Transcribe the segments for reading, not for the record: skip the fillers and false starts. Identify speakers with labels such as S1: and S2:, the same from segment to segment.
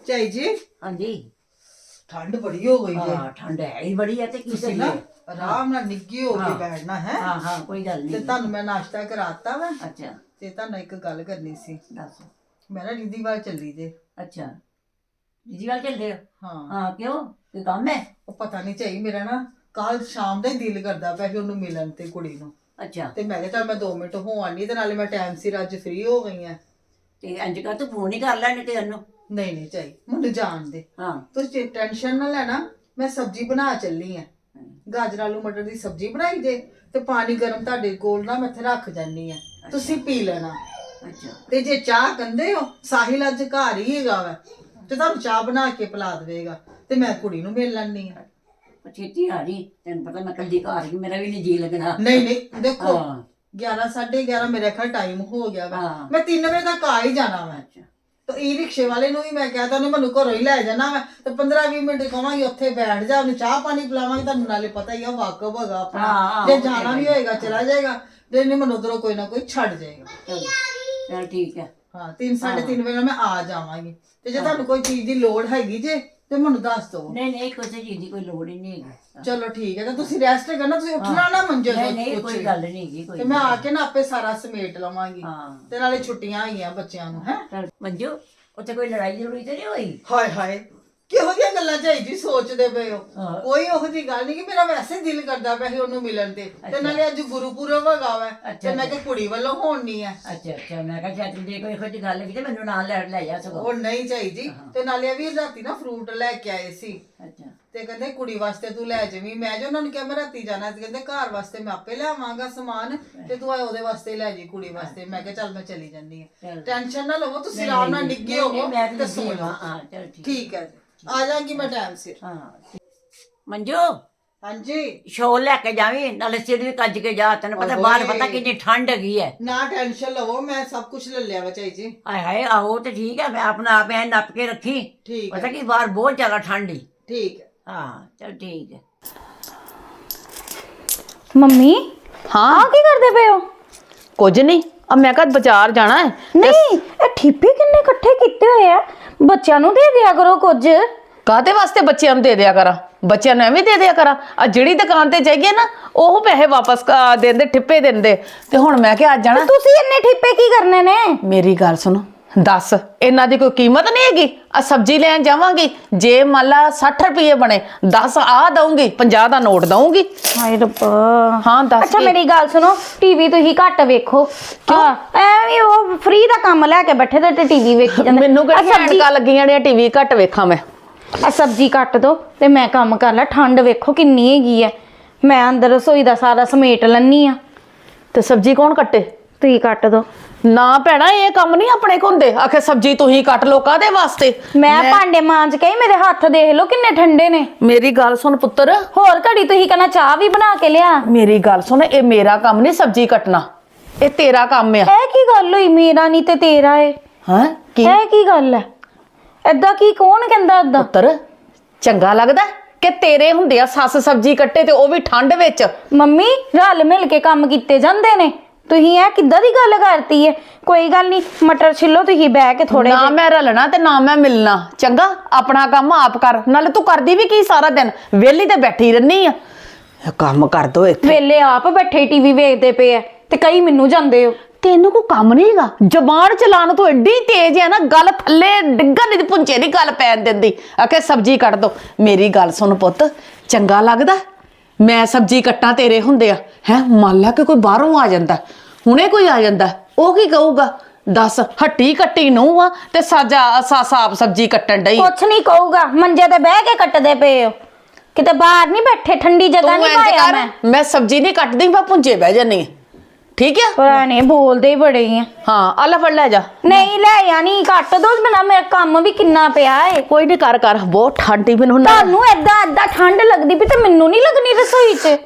S1: ਚਾਈ ਜੀ।
S2: ਹਾਂਜੀ
S1: ਠੰਡ ਬੜੀ ਹੋ ਗਈ ਜੇ।
S2: ਹਾਂ ਠੰਡ ਹੈ ਹੀ ਬੜੀ ਹੈ ਤੇ ਕੀ
S1: ਤੁਸੀਂ ਨਾ
S2: ਕਰੀਏ।
S1: ਆਰਾਮ ਨਾਲ ਨਿੱਗੀ ਹੋ ਕੇ ਬੈਠਣਾ ਹੈ।
S2: ਹਾਂ ਹਾਂ ਕੋਈ ਗੱਲ
S1: ਤੇ
S2: ਨਹੀਂ।
S1: ਤੁਹਾਨੂੰ ਮੈਂ ਨਾਸ਼ਤਾ ਕਰਾਤਾ ਵਾ
S2: ਅੱਛਾ
S1: ਤੇ ਤੁਹਾਨੂੰ ਇੱਕ ਗੱਲ ਕਰਨੀ ਸੀ।
S2: ਦੱਸ।
S1: ਮੈਂ ਨਾ ਰਿੱਧੀ ਵੱਲ ਚੱਲੀ ਜੇ।
S2: ਅੱਛਾ ਜੀ ਵੱਲ ਚੱਲਦੇ ਹੋ?
S1: ਹਾਂ
S2: ਹਾਂ ਕਿਉਂ ਕੋਈ ਕੰਮ ਹੈ?
S1: ਉਹ ਪਤਾ ਨਹੀਂ ਚਾਈ ਮੇਰਾ ਨਾ ਕੱਲ ਸ਼ਾਮ ਦਾ ਹੀ ਦਿਲ ਕਰਦਾ ਪਿਆ ਸੀ ਉਹਨੂੰ ਮਿਲਣ ਤੇ ਕੁੜੀ ਨੂੰ।
S2: ਅੱਛਾ
S1: ਤੇ ਮੈਂ ਕਿਹਾ ਚੱਲ ਮੈਂ 2 ਮਿੰਟ ਹੋ ਆਨੀ ਤੇ ਨਾਲੇ ਮੈਂ ਟਾਈਮ ਸਿਰ ਅੱਜ ਫ੍ਰੀ ਹੋ ਗਈ ਆ।
S2: ਤੇ ਇੰਜ ਕਰ ਤੂੰ ਫੋਨ ਹੀ ਕਰ ਲੈਣੇ ਤੇ ਉਹਨੂੰ।
S1: ਨਹੀਂ ਚਾਈ ਮੈਨੂੰ ਜਾਣ ਦੇ।
S2: ਹਾਂ
S1: ਤੁਸੀਂ ਟੈਨਸ਼ਨ ਨਾ ਲੈਣਾ। ਮੈਂ ਸਬਜ਼ੀ ਬਣਾ ਚੱਲੀ ਆ। ਗਾਜਰ ਆਲੂ ਮਟਰ ਦੀ ਸਬਜ਼ੀ ਬਣਾਈ ਜੇ ਤੇ ਪਾਣੀ ਗਰਮ ਤੁਹਾਡੇ ਕੋਲ ਨਾ ਮੈਂ ਇੱਥੇ ਰੱਖ ਜਾਨੀ ਆ। ਤੁਸੀਂ ਪੀ ਲੈਣਾ।
S2: ਅੱਛਾ
S1: ਤੇ ਜੇ ਚਾਹ ਕਹਿੰਦੇ ਹੋ ਸਾਹਿਲ ਅੱਜ ਘਰ ਹੀ ਹੈਗਾ ਵਾ ਤੇ ਤੁਹਾਨੂੰ ਚਾਹ ਬਣਾ ਕੇ ਪਿਲਾ ਦੇਵੇਗਾ ਤੇ ਮੈਂ ਕੁੜੀ ਨੂੰ ਮਿਲ ਲੈਣੀ ਆ।
S2: ਛੇਤੀ ਆ ਜੀ ਤੈਨੂੰ ਪਤਾ ਮੈਂ ਕੱਲੀ ਘਰ ਹੀ ਮੇਰਾ ਵੀ ਨਹੀਂ ਜੀ ਲੱਗਣਾ।
S1: ਨਹੀਂ ਦੇਖੋ
S2: ਹਾਂ
S1: 11 11:30 ਮੇਰੇ ਖਿਆਲ ਟਾਈਮ ਹੋ ਗਿਆ ਵਾ।
S2: ਹਾਂ।
S1: ਮੈਂ 3 ਵਜੇ ਤੱਕ ਆ ਹੀ ਜਾਣਾ ਵਾ।
S2: ਅੱਛਾ
S1: ਤੇ ਈ ਰਿਕਸ਼ੇ ਵਾਲੇ ਨੂੰ ਵੀ ਮੈਂ ਕਹਿ ਤਾ ਉਹਨੇ ਮੈਨੂੰ ਘਰੋਂ ਹੀ ਲੈ ਜਾਣਾ ਵਾ ਤੇ 15-20 ਮਿੰਟ ਕਹਾਂਗੀ ਉੱਥੇ ਬੈਠ ਜਾ ਉਹਨੂੰ ਚਾਹ ਪਾਣੀ ਪਿਲਾਵਾਂਗੀ। ਤੁਹਾਨੂੰ ਨਾਲੇ ਪਤਾ ਹੀ ਆ ਵਾਕਬ ਹੈਗਾ ਆਪਣਾ।
S2: ਹਾਂ,
S1: ਜੇ
S2: ਉਹ ਤੇ
S1: ਜਾਣਾ ਵੀ
S2: ਹੈ।
S1: ਹੋਏਗਾ ਚਲਾ ਜਾਏਗਾ ਤੇ ਇਹਨੇ ਮੈਨੂੰ ਉਧਰੋਂ ਕੋਈ ਨਾ ਕੋਈ ਛੱਡ ਜਾਏਗਾ।
S2: ਚਲ ਠੀਕ ਹੈ।
S1: ਹਾਂ 3-3:30 ਵਜੇ ਮੈਂ ਆ ਜਾਵਾਂਗੀ ਤੇ ਜੇ ਤੁਹਾਨੂੰ ਕੋਈ ਚੀਜ਼ ਦੀ ਲੋੜ ਹੈਗੀ ਜੇ ਤੇ ਮੈਨੂੰ ਦੱਸ ਦਿਓ।
S2: ਨਹੀਂ ਕਿਸੇ ਚੀਜ਼ ਦੀ ਕੋਈ ਲੋੜ ਹੀ ਨਹੀਂ ਹੈਗੀ।
S1: ਚਲੋ ਠੀਕ ਹੈ ਤਾਂ ਤੁਸੀਂ ਰੈਸਟ ਕਰਨਾ। ਤੁਸੀਂ ਉੱਠਣਾ ਨਾ ਮੰਜੇ ਤੋਂ
S2: ਨਹੀਂ
S1: ਕੁਛ
S2: ਕੋਈ
S1: ਵੀ।
S2: ਗੱਲ ਨਹੀਂ ਹੈਗੀ ਕੋਈ।
S1: ਤੇ ਮੈਂ ਆ ਕੇ ਨਾ ਆਪੇ ਸਾਰਾ ਸਮੇਟ ਲਵਾਂਗੀ।
S2: ਹਾਂ
S1: ਤੇ ਨਾਲੇ ਛੁੱਟੀਆਂ ਆਈਆਂ ਬੱਚਿਆਂ ਨੂੰ ਹੈ।
S2: ਚਲ ਮੰਜੂ ਉੱਥੇ ਕੋਈ ਲੜਾਈ ਜ਼ਰੂਰੀ ਤੇ ਨਹੀਂ ਹੋਈ?
S1: ਹਾਏ ਹਾਏ ਕਿਹੋ ਜਿਹੀਆਂ ਗੱਲਾਂ ਚਾਈ ਜੀ ਸੋਚਦੇ ਪਏ ਹੋ?
S2: ਹਾਂ।
S1: ਕੋਈ ਉਹੋ ਜਿਹੀ ਗੱਲ ਨਹੀਂ ਕਿ ਮੇਰਾ ਵੈਸੇ ਦਿਲ ਕਰਦਾ ਪਿਆ ਸੀ ਉਹਨੂੰ ਮਿਲਣ ਤੇ ਨਾਲੇ ਅੱਜ ਗੁਰਪੁਰਬ ਹੈਗਾ ਵਾ ਤੇ ਮੈਂ ਕਿ ਕੁੜੀ ਵੱਲੋਂ ਹੋਣੀ ਆ।
S2: ਅੱਛਾ ਮੈਂ ਕਿਹਾ ਸ਼ਾਇਦ ਜੇ ਕੋਈ ਇਹੋ ਜਿਹੀ ਗੱਲ ਹੈਗੀ ਤੇ ਮੈਨੂੰ ਨਾਲ ਲੈ ਜਾ ਸਗੋਂ।
S1: ਉਹ ਨਹੀਂ ਚਾਈ ਜੀ। ਤੇ ਨਾਲੇ ਵੀ ਰਾਤੀ ਨਾ ਫਰੂਟ ਲੈ ਕੇ ਆਏ ਸੀ
S2: ਅੱਛਾ
S1: ਤੇ ਕਹਿੰਦੇ ਕੁੜੀ ਵਾਸਤੇ ਤੂੰ ਲੈ ਜਾਵੀਂ। ਮੈਂ ਜੋ ਉਹਨਾਂ ਨੂੰ ਕਿਹਾ ਮੈਂ ਰਾਤੀ ਜਾਣਾ ਤੇ ਕਹਿੰਦੇ ਘਰ ਵਾਸਤੇ ਮੈਂ ਆਪੇ ਲਿਆਵਾਂਗਾ ਸਮਾਨ ਤੇ ਤੂੰ ਉਹਦੇ ਵਾਸਤੇ ਲੈ ਜੀ ਕੁੜੀ ਵਾਸਤੇ। ਮੈਂ ਕਿਹਾ ਚੱਲ ਮੈਂ ਚਲੀ ਜਾਂਦੀ ਆ।
S2: ਚੱਲ।
S1: ਟੈਨਸ਼ਨ ਨਾ ਲਵੋ ਤੁਸੀਂ ਆਰਾਮ ਨਾਲ ਨਿੱਗੇ ਹੋਵੋ
S2: ਮੈਂ
S1: ਤੇ
S2: ਤੇ
S1: ਸੋ ਜਾਓ।
S2: ਹਾਂ ਚਲ ਠੀਕ।
S1: ਠੀਕ ਹੈ ਜੀ ਆ ਜਾਗੀ ਮੈਂ ਟਾਈਮ ਸਿਰ।
S2: ਹਾਂ ਮੰਜੂ
S1: ਹਾਂਜੀ
S2: ਸ਼ੋਲ ਲੈ ਕੇ ਜਾਵੀਂ ਨਾਲੇ ਸਿਰ ਵੀ ਕੱਜ ਕੇ ਜਾ। ਤੈਨੂੰ ਪਤਾ ਬਾਹਰ ਪਤਾ ਕਿੰਨੀ ਠੰਡ ਹੈਗੀ ਹੈ।
S1: ਨਾ ਟੈਨਸ਼ਨ ਲਵੋ ਮੈਂ ਸਭ ਕੁਝ ਲੈ ਲਿਆ ਵਾ ਚਾਈ ਜੀ।
S2: ਹਾਏ ਹਾਏ ਆਹੋ ਤੇ ਠੀਕ ਹੈ। ਮੈਂ ਆਪਣਾ ਆਪ ਐ ਨੱਪ ਕੇ ਰੱਖੀ।
S1: ਠੀਕ
S2: ਪਤਾ
S1: ਹੈ
S2: ਕੀ ਬਾਹਰ ਬਹੁਤ ਜ਼ਿਆਦਾ ਠੰਡ ਹੀ।
S1: ਠੀਕ ਹੈ।
S2: ਹਾਂ ਚਲ ਠੀਕ ਹੈ।
S3: ਮੰਮੀ
S4: ਹਾਂ
S3: ਆ ਕੀ ਕਰਦੇ ਪਏ ਹੋ?
S4: ਕੁਝ ਨਹੀਂ ਆ ਮੈਂ ਕਦ ਬਾਜ਼ਾਰ ਜਾਣਾ ਹੈ।
S3: ਨਹੀਂ ਇਹ ਠੀਪੇ ਕਿੰਨੇ ਇਕੱਠੇ ਕੀਤੇ ਹੋਏ ਆ। ਬੱਚਿਆਂ ਨੂੰ ਦੇ ਦਿਆ ਕਰੋ ਕੁਝ।
S4: ਕਾਹਦੇ ਵਾਸਤੇ ਬੱਚਿਆਂ ਨੂੰ ਦੇ ਦਿਆ ਕਰਾਂ? ਬੱਚਿਆਂ ਨੂੰ ਐਵੇਂ ਦੇ ਦਿਆ ਕਰਾਂ? ਆ ਜਿਹੜੀ ਦੁਕਾਨ ਤੇ ਜਾਈਏ ਨਾ ਉਹ ਪੈਸੇ ਵਾਪਸ ਦਿੰਦੇ ਠਿੱਪੇ ਦਿੰਦੇ। ਤੇ ਹੁਣ ਮੈਂ ਕਿਹਾ ਅੱਜ ਜਾਣਾ।
S3: ਤੁਸੀਂ ਇੰਨੇ ਠੀਪੇ ਕੀ ਕਰਨੇ ਨੇ?
S4: ਮੇਰੀ ਗੱਲ ਸੁਣੋ ਦੱਸ ਇਹਨਾਂ ਦੀ ਕੋਈ ਕੀਮਤ ਨਹੀਂ ਹੈਗੀ। ਆ ਸਬਜ਼ੀ ਲੈਣ ਜਾਵਾਂਗੀ ਜੇ ਮੰਨ ਲਾ 60 ਰੁਪਏ ਬਣੇ 10 ਆ ਦਊਂਗੀ 50 ਦਾ ਨੋਟ ਦਊਂਗੀ।
S3: ਹਾਏ ਰੱਬਾ।
S4: ਹਾਂ ਦੱਸ
S3: ਅੱਛਾ
S4: ਕੀ?
S3: ਮੇਰੀ ਗੱਲ ਸੁਣੋ ਟੀਵੀ ਤੁਸੀਂ ਘੱਟ ਵੇਖੋ। ਹਾਂ ਐਵੇਂ ਉਹ ਫ੍ਰੀ ਦਾ ਕੰਮ ਲੈ ਕੇ ਬੈਠੇ ਤੇ ਟੀਵੀ ਵੇਖੀ ਜਾਂਦੇ।
S4: ਮੈਨੂੰ ਕਿਹੜੀ ਐਨਕਾਂ ਲੱਗੀਆਂ ਨੇ ਟੀਵੀ ਘੱਟ ਵੇਖਾਂ ਮੈਂ।
S3: ਆ ਸਬਜ਼ੀ ਕੱਟ ਦੋ ਤੇ ਮੈਂ ਕੰਮ ਕਰ ਲਾ। ਠੰਡ ਵੇਖੋ ਕਿੰਨੀ ਹੈਗੀ ਹੈ। ਮੈਂ ਅੰਦਰ ਰਸੋਈ ਦਾ ਸਾਰਾ ਸਮੇਟ ਲੈਣੀ ਆ।
S4: ਤੇ ਸਬਜ਼ੀ ਕੌਣ ਕੱਟੇ?
S3: ਤੁਸੀਂ ਕੱਟ ਦੋ।
S4: ਨਾ ਭੈਣਾ ਇਹ ਕੰਮ ਨਹੀਂ ਆਪਣੇ ਕੋਲ ਹੁੰਦੇ। ਆਖੇ ਸਬਜ਼ੀ ਤੁਸੀਂ ਕੱਟ ਲੋ ਕਾਹਦੇ ਵਾਸਤੇ?
S3: ਮੈਂ ਭਾਂਡੇ ਮਾਂਜ ਕੇ ਮੇਰੇ ਹੱਥ ਦੇਖ ਲਓ ਕਿੰਨੇ ਠੰਡੇ ਨੇ।
S4: ਮੇਰੀ ਗੱਲ ਸੁਣ ਪੁੱਤਰ।
S3: ਹੋਰ ਘੜੀ ਤੁਸੀਂ ਕਹਿੰਦਾ ਚਾਹ ਵੀ ਬਣਾ ਕੇ ਲਿਆ।
S4: ਮੇਰੀ ਗੱਲ ਸੁਣ ਇਹ ਮੇਰਾ ਕੰਮ ਨਹੀਂ ਸਬਜ਼ੀ ਕੱਟਣਾ। ਇਹ ਤੇਰਾ ਕੰਮ ਆ।
S3: ਇਹ ਕੀ ਗੱਲ ਹੋਈ? ਮੇਰਾ ਨਹੀਂ ਤੇ ਤੇਰਾ ਏ।
S4: ਹਾਂ ਕੀ
S3: ਇਹ ਕੀ ਗੱਲ ਹੈ? ਏਦਾਂ ਕੀ ਕੌਣ ਕਹਿੰਦਾ ਏਦਾਂ?
S4: ਪੁੱਤਰ ਚੰਗਾ ਲੱਗਦਾ ਕਿ ਤੇਰੇ ਹੁੰਦੇ ਆ ਸੱਸ ਸਬਜ਼ੀ ਕੱਟੇ ਤੇ ਉਹ ਵੀ ਠੰਡ ਵਿੱਚ?
S3: ਮੰਮੀ ਰਲ ਮਿਲ ਕੇ ਕੰਮ ਕੀਤੇ ਜਾਂਦੇ ਨੇ। ਤੁਸੀਂ ਇਹ ਕਿੱਦਾਂ ਦੀ ਗੱਲ ਕਰਤੀ ਹੈ? ਕੋਈ ਗੱਲ ਨਹੀਂ ਮਟਰ ਛਿੱਲੋ ਤੁਸੀਂ ਬਹਿ ਕੇ ਥੋੜੇ
S4: ਨਾ ਮੈਂ ਰਲਣਾ ਤੇ ਨਾ ਮੈਂ ਮਿਲਣਾ। ਚੰਗਾ ਆਪਣਾ ਕੰਮ ਆਪ ਕਰ। ਨਾਲੇ ਤੂੰ ਕਰਦੀ ਵੀ ਕੀ ਸਾਰਾ ਦਿਨ? ਵਿਹਲੀ ਤੇ ਬੈਠੀ ਰਹਿਨੀ ਆ। ਕੰਮ ਕਰ ਦੋ ਇੱਥੇ।
S3: ਵੇਲੇ ਆਪ ਬੈਠੇ ਟੀਵੀ ਵੇਖਦੇ ਪਏ ਆ ਤੇ ਕਈ ਮੈਨੂੰ ਜਾਂਦੇ ਹੋ।
S4: ਤੈਨੂੰ ਕੋਈ ਕੰਮ ਨਹੀਂ ਹੈਗਾ? ਜ਼ਬਾਨ ਚਲਾਉਣ ਤੋਂ ਐਡੀ ਤੇਜ਼ ਹੈ ਨਾ ਗੱਲ ਥੱਲੇ ਡਿੱਗਣ ਦੀ ਪੁੰਚੇ ਦੀ ਗੱਲ ਪੈਣ ਦਿੰਦੀ। ਆਖੇ ਸਬਜ਼ੀ ਕੱਟ ਦੋ। ਮੇਰੀ ਗੱਲ ਸੁਣ ਪੁੱਤ ਚੰਗਾ ਲੱਗਦਾ ਮੈਂ ਸਬਜ਼ੀ ਕੱਟਾਂ ਤੇਰੇ ਹੁੰਦੇ ਆ ਹੈ? ਮੰਨ ਲਾ ਕਿ ਕੋਈ ਬਾਹਰੋਂ ਆ ਜਾਂਦਾ ਹੁਣੇ ਕੋਈ ਆ ਜਾਂਦਾ ਉਹ ਕੀ ਕਹੂਗਾ? ਦੱਸ ਹੱਟੀ ਕੱਟੀ ਨੂੰ ਆ ਤੇ ਸਾਬ ਸਬਜ਼ੀ ਕੱਟਣ ਡਈ।
S3: ਕੁਛ ਨਹੀਂ ਕਹੂਗਾ। ਮੰਜੇ ਤੇ ਬਹਿ ਕੇ ਕੱਟਦੇ ਪਏ ਹੋ। ਕਿਤੇ ਬਾਹਰ ਨਹੀਂ ਬੈਠੇ ਠੰਡੀ ਜਗ੍ਹਾ ਨਹੀਂ ਪਾਇਆ
S4: ਮੈਂ ਸਬਜ਼ੀ ਨਹੀਂ ਕੱਟਦੀ ਮੈਂ ਪੁੰਚੇ ਬਹਿ ਜਾਨੀ। ਠੀਕ ਹੈ
S3: ਪੁਰਾਣੇ ਬੋਲਦੇ ਹੀ ਬੜੇ ਆ।
S4: ਹਾਂ ਆ ਲੈ ਫੜ ਲੈ ਜਾ।
S3: ਨਹੀਂ ਲੈ ਆ ਨਹੀਂ ਕੱਟ ਦੋ। ਮੇਰਾ ਕੰਮ ਵੀ ਕਿੰਨਾ ਪਿਆ ਏ।
S4: ਕੋਈ ਨਹੀਂ ਕਰ ਬਹੁਤ ਠੰਡੀ ਮੈਨੂੰ
S3: ਤੁਹਾਨੂੰ ਏਦਾਂ ਠੰਡ ਲੱਗਦੀ ਪਈ ਤੇ ਮੈਨੂੰ ਨਹੀਂ ਲੱਗਣੀ ਰਸੋਈ 'ਚ।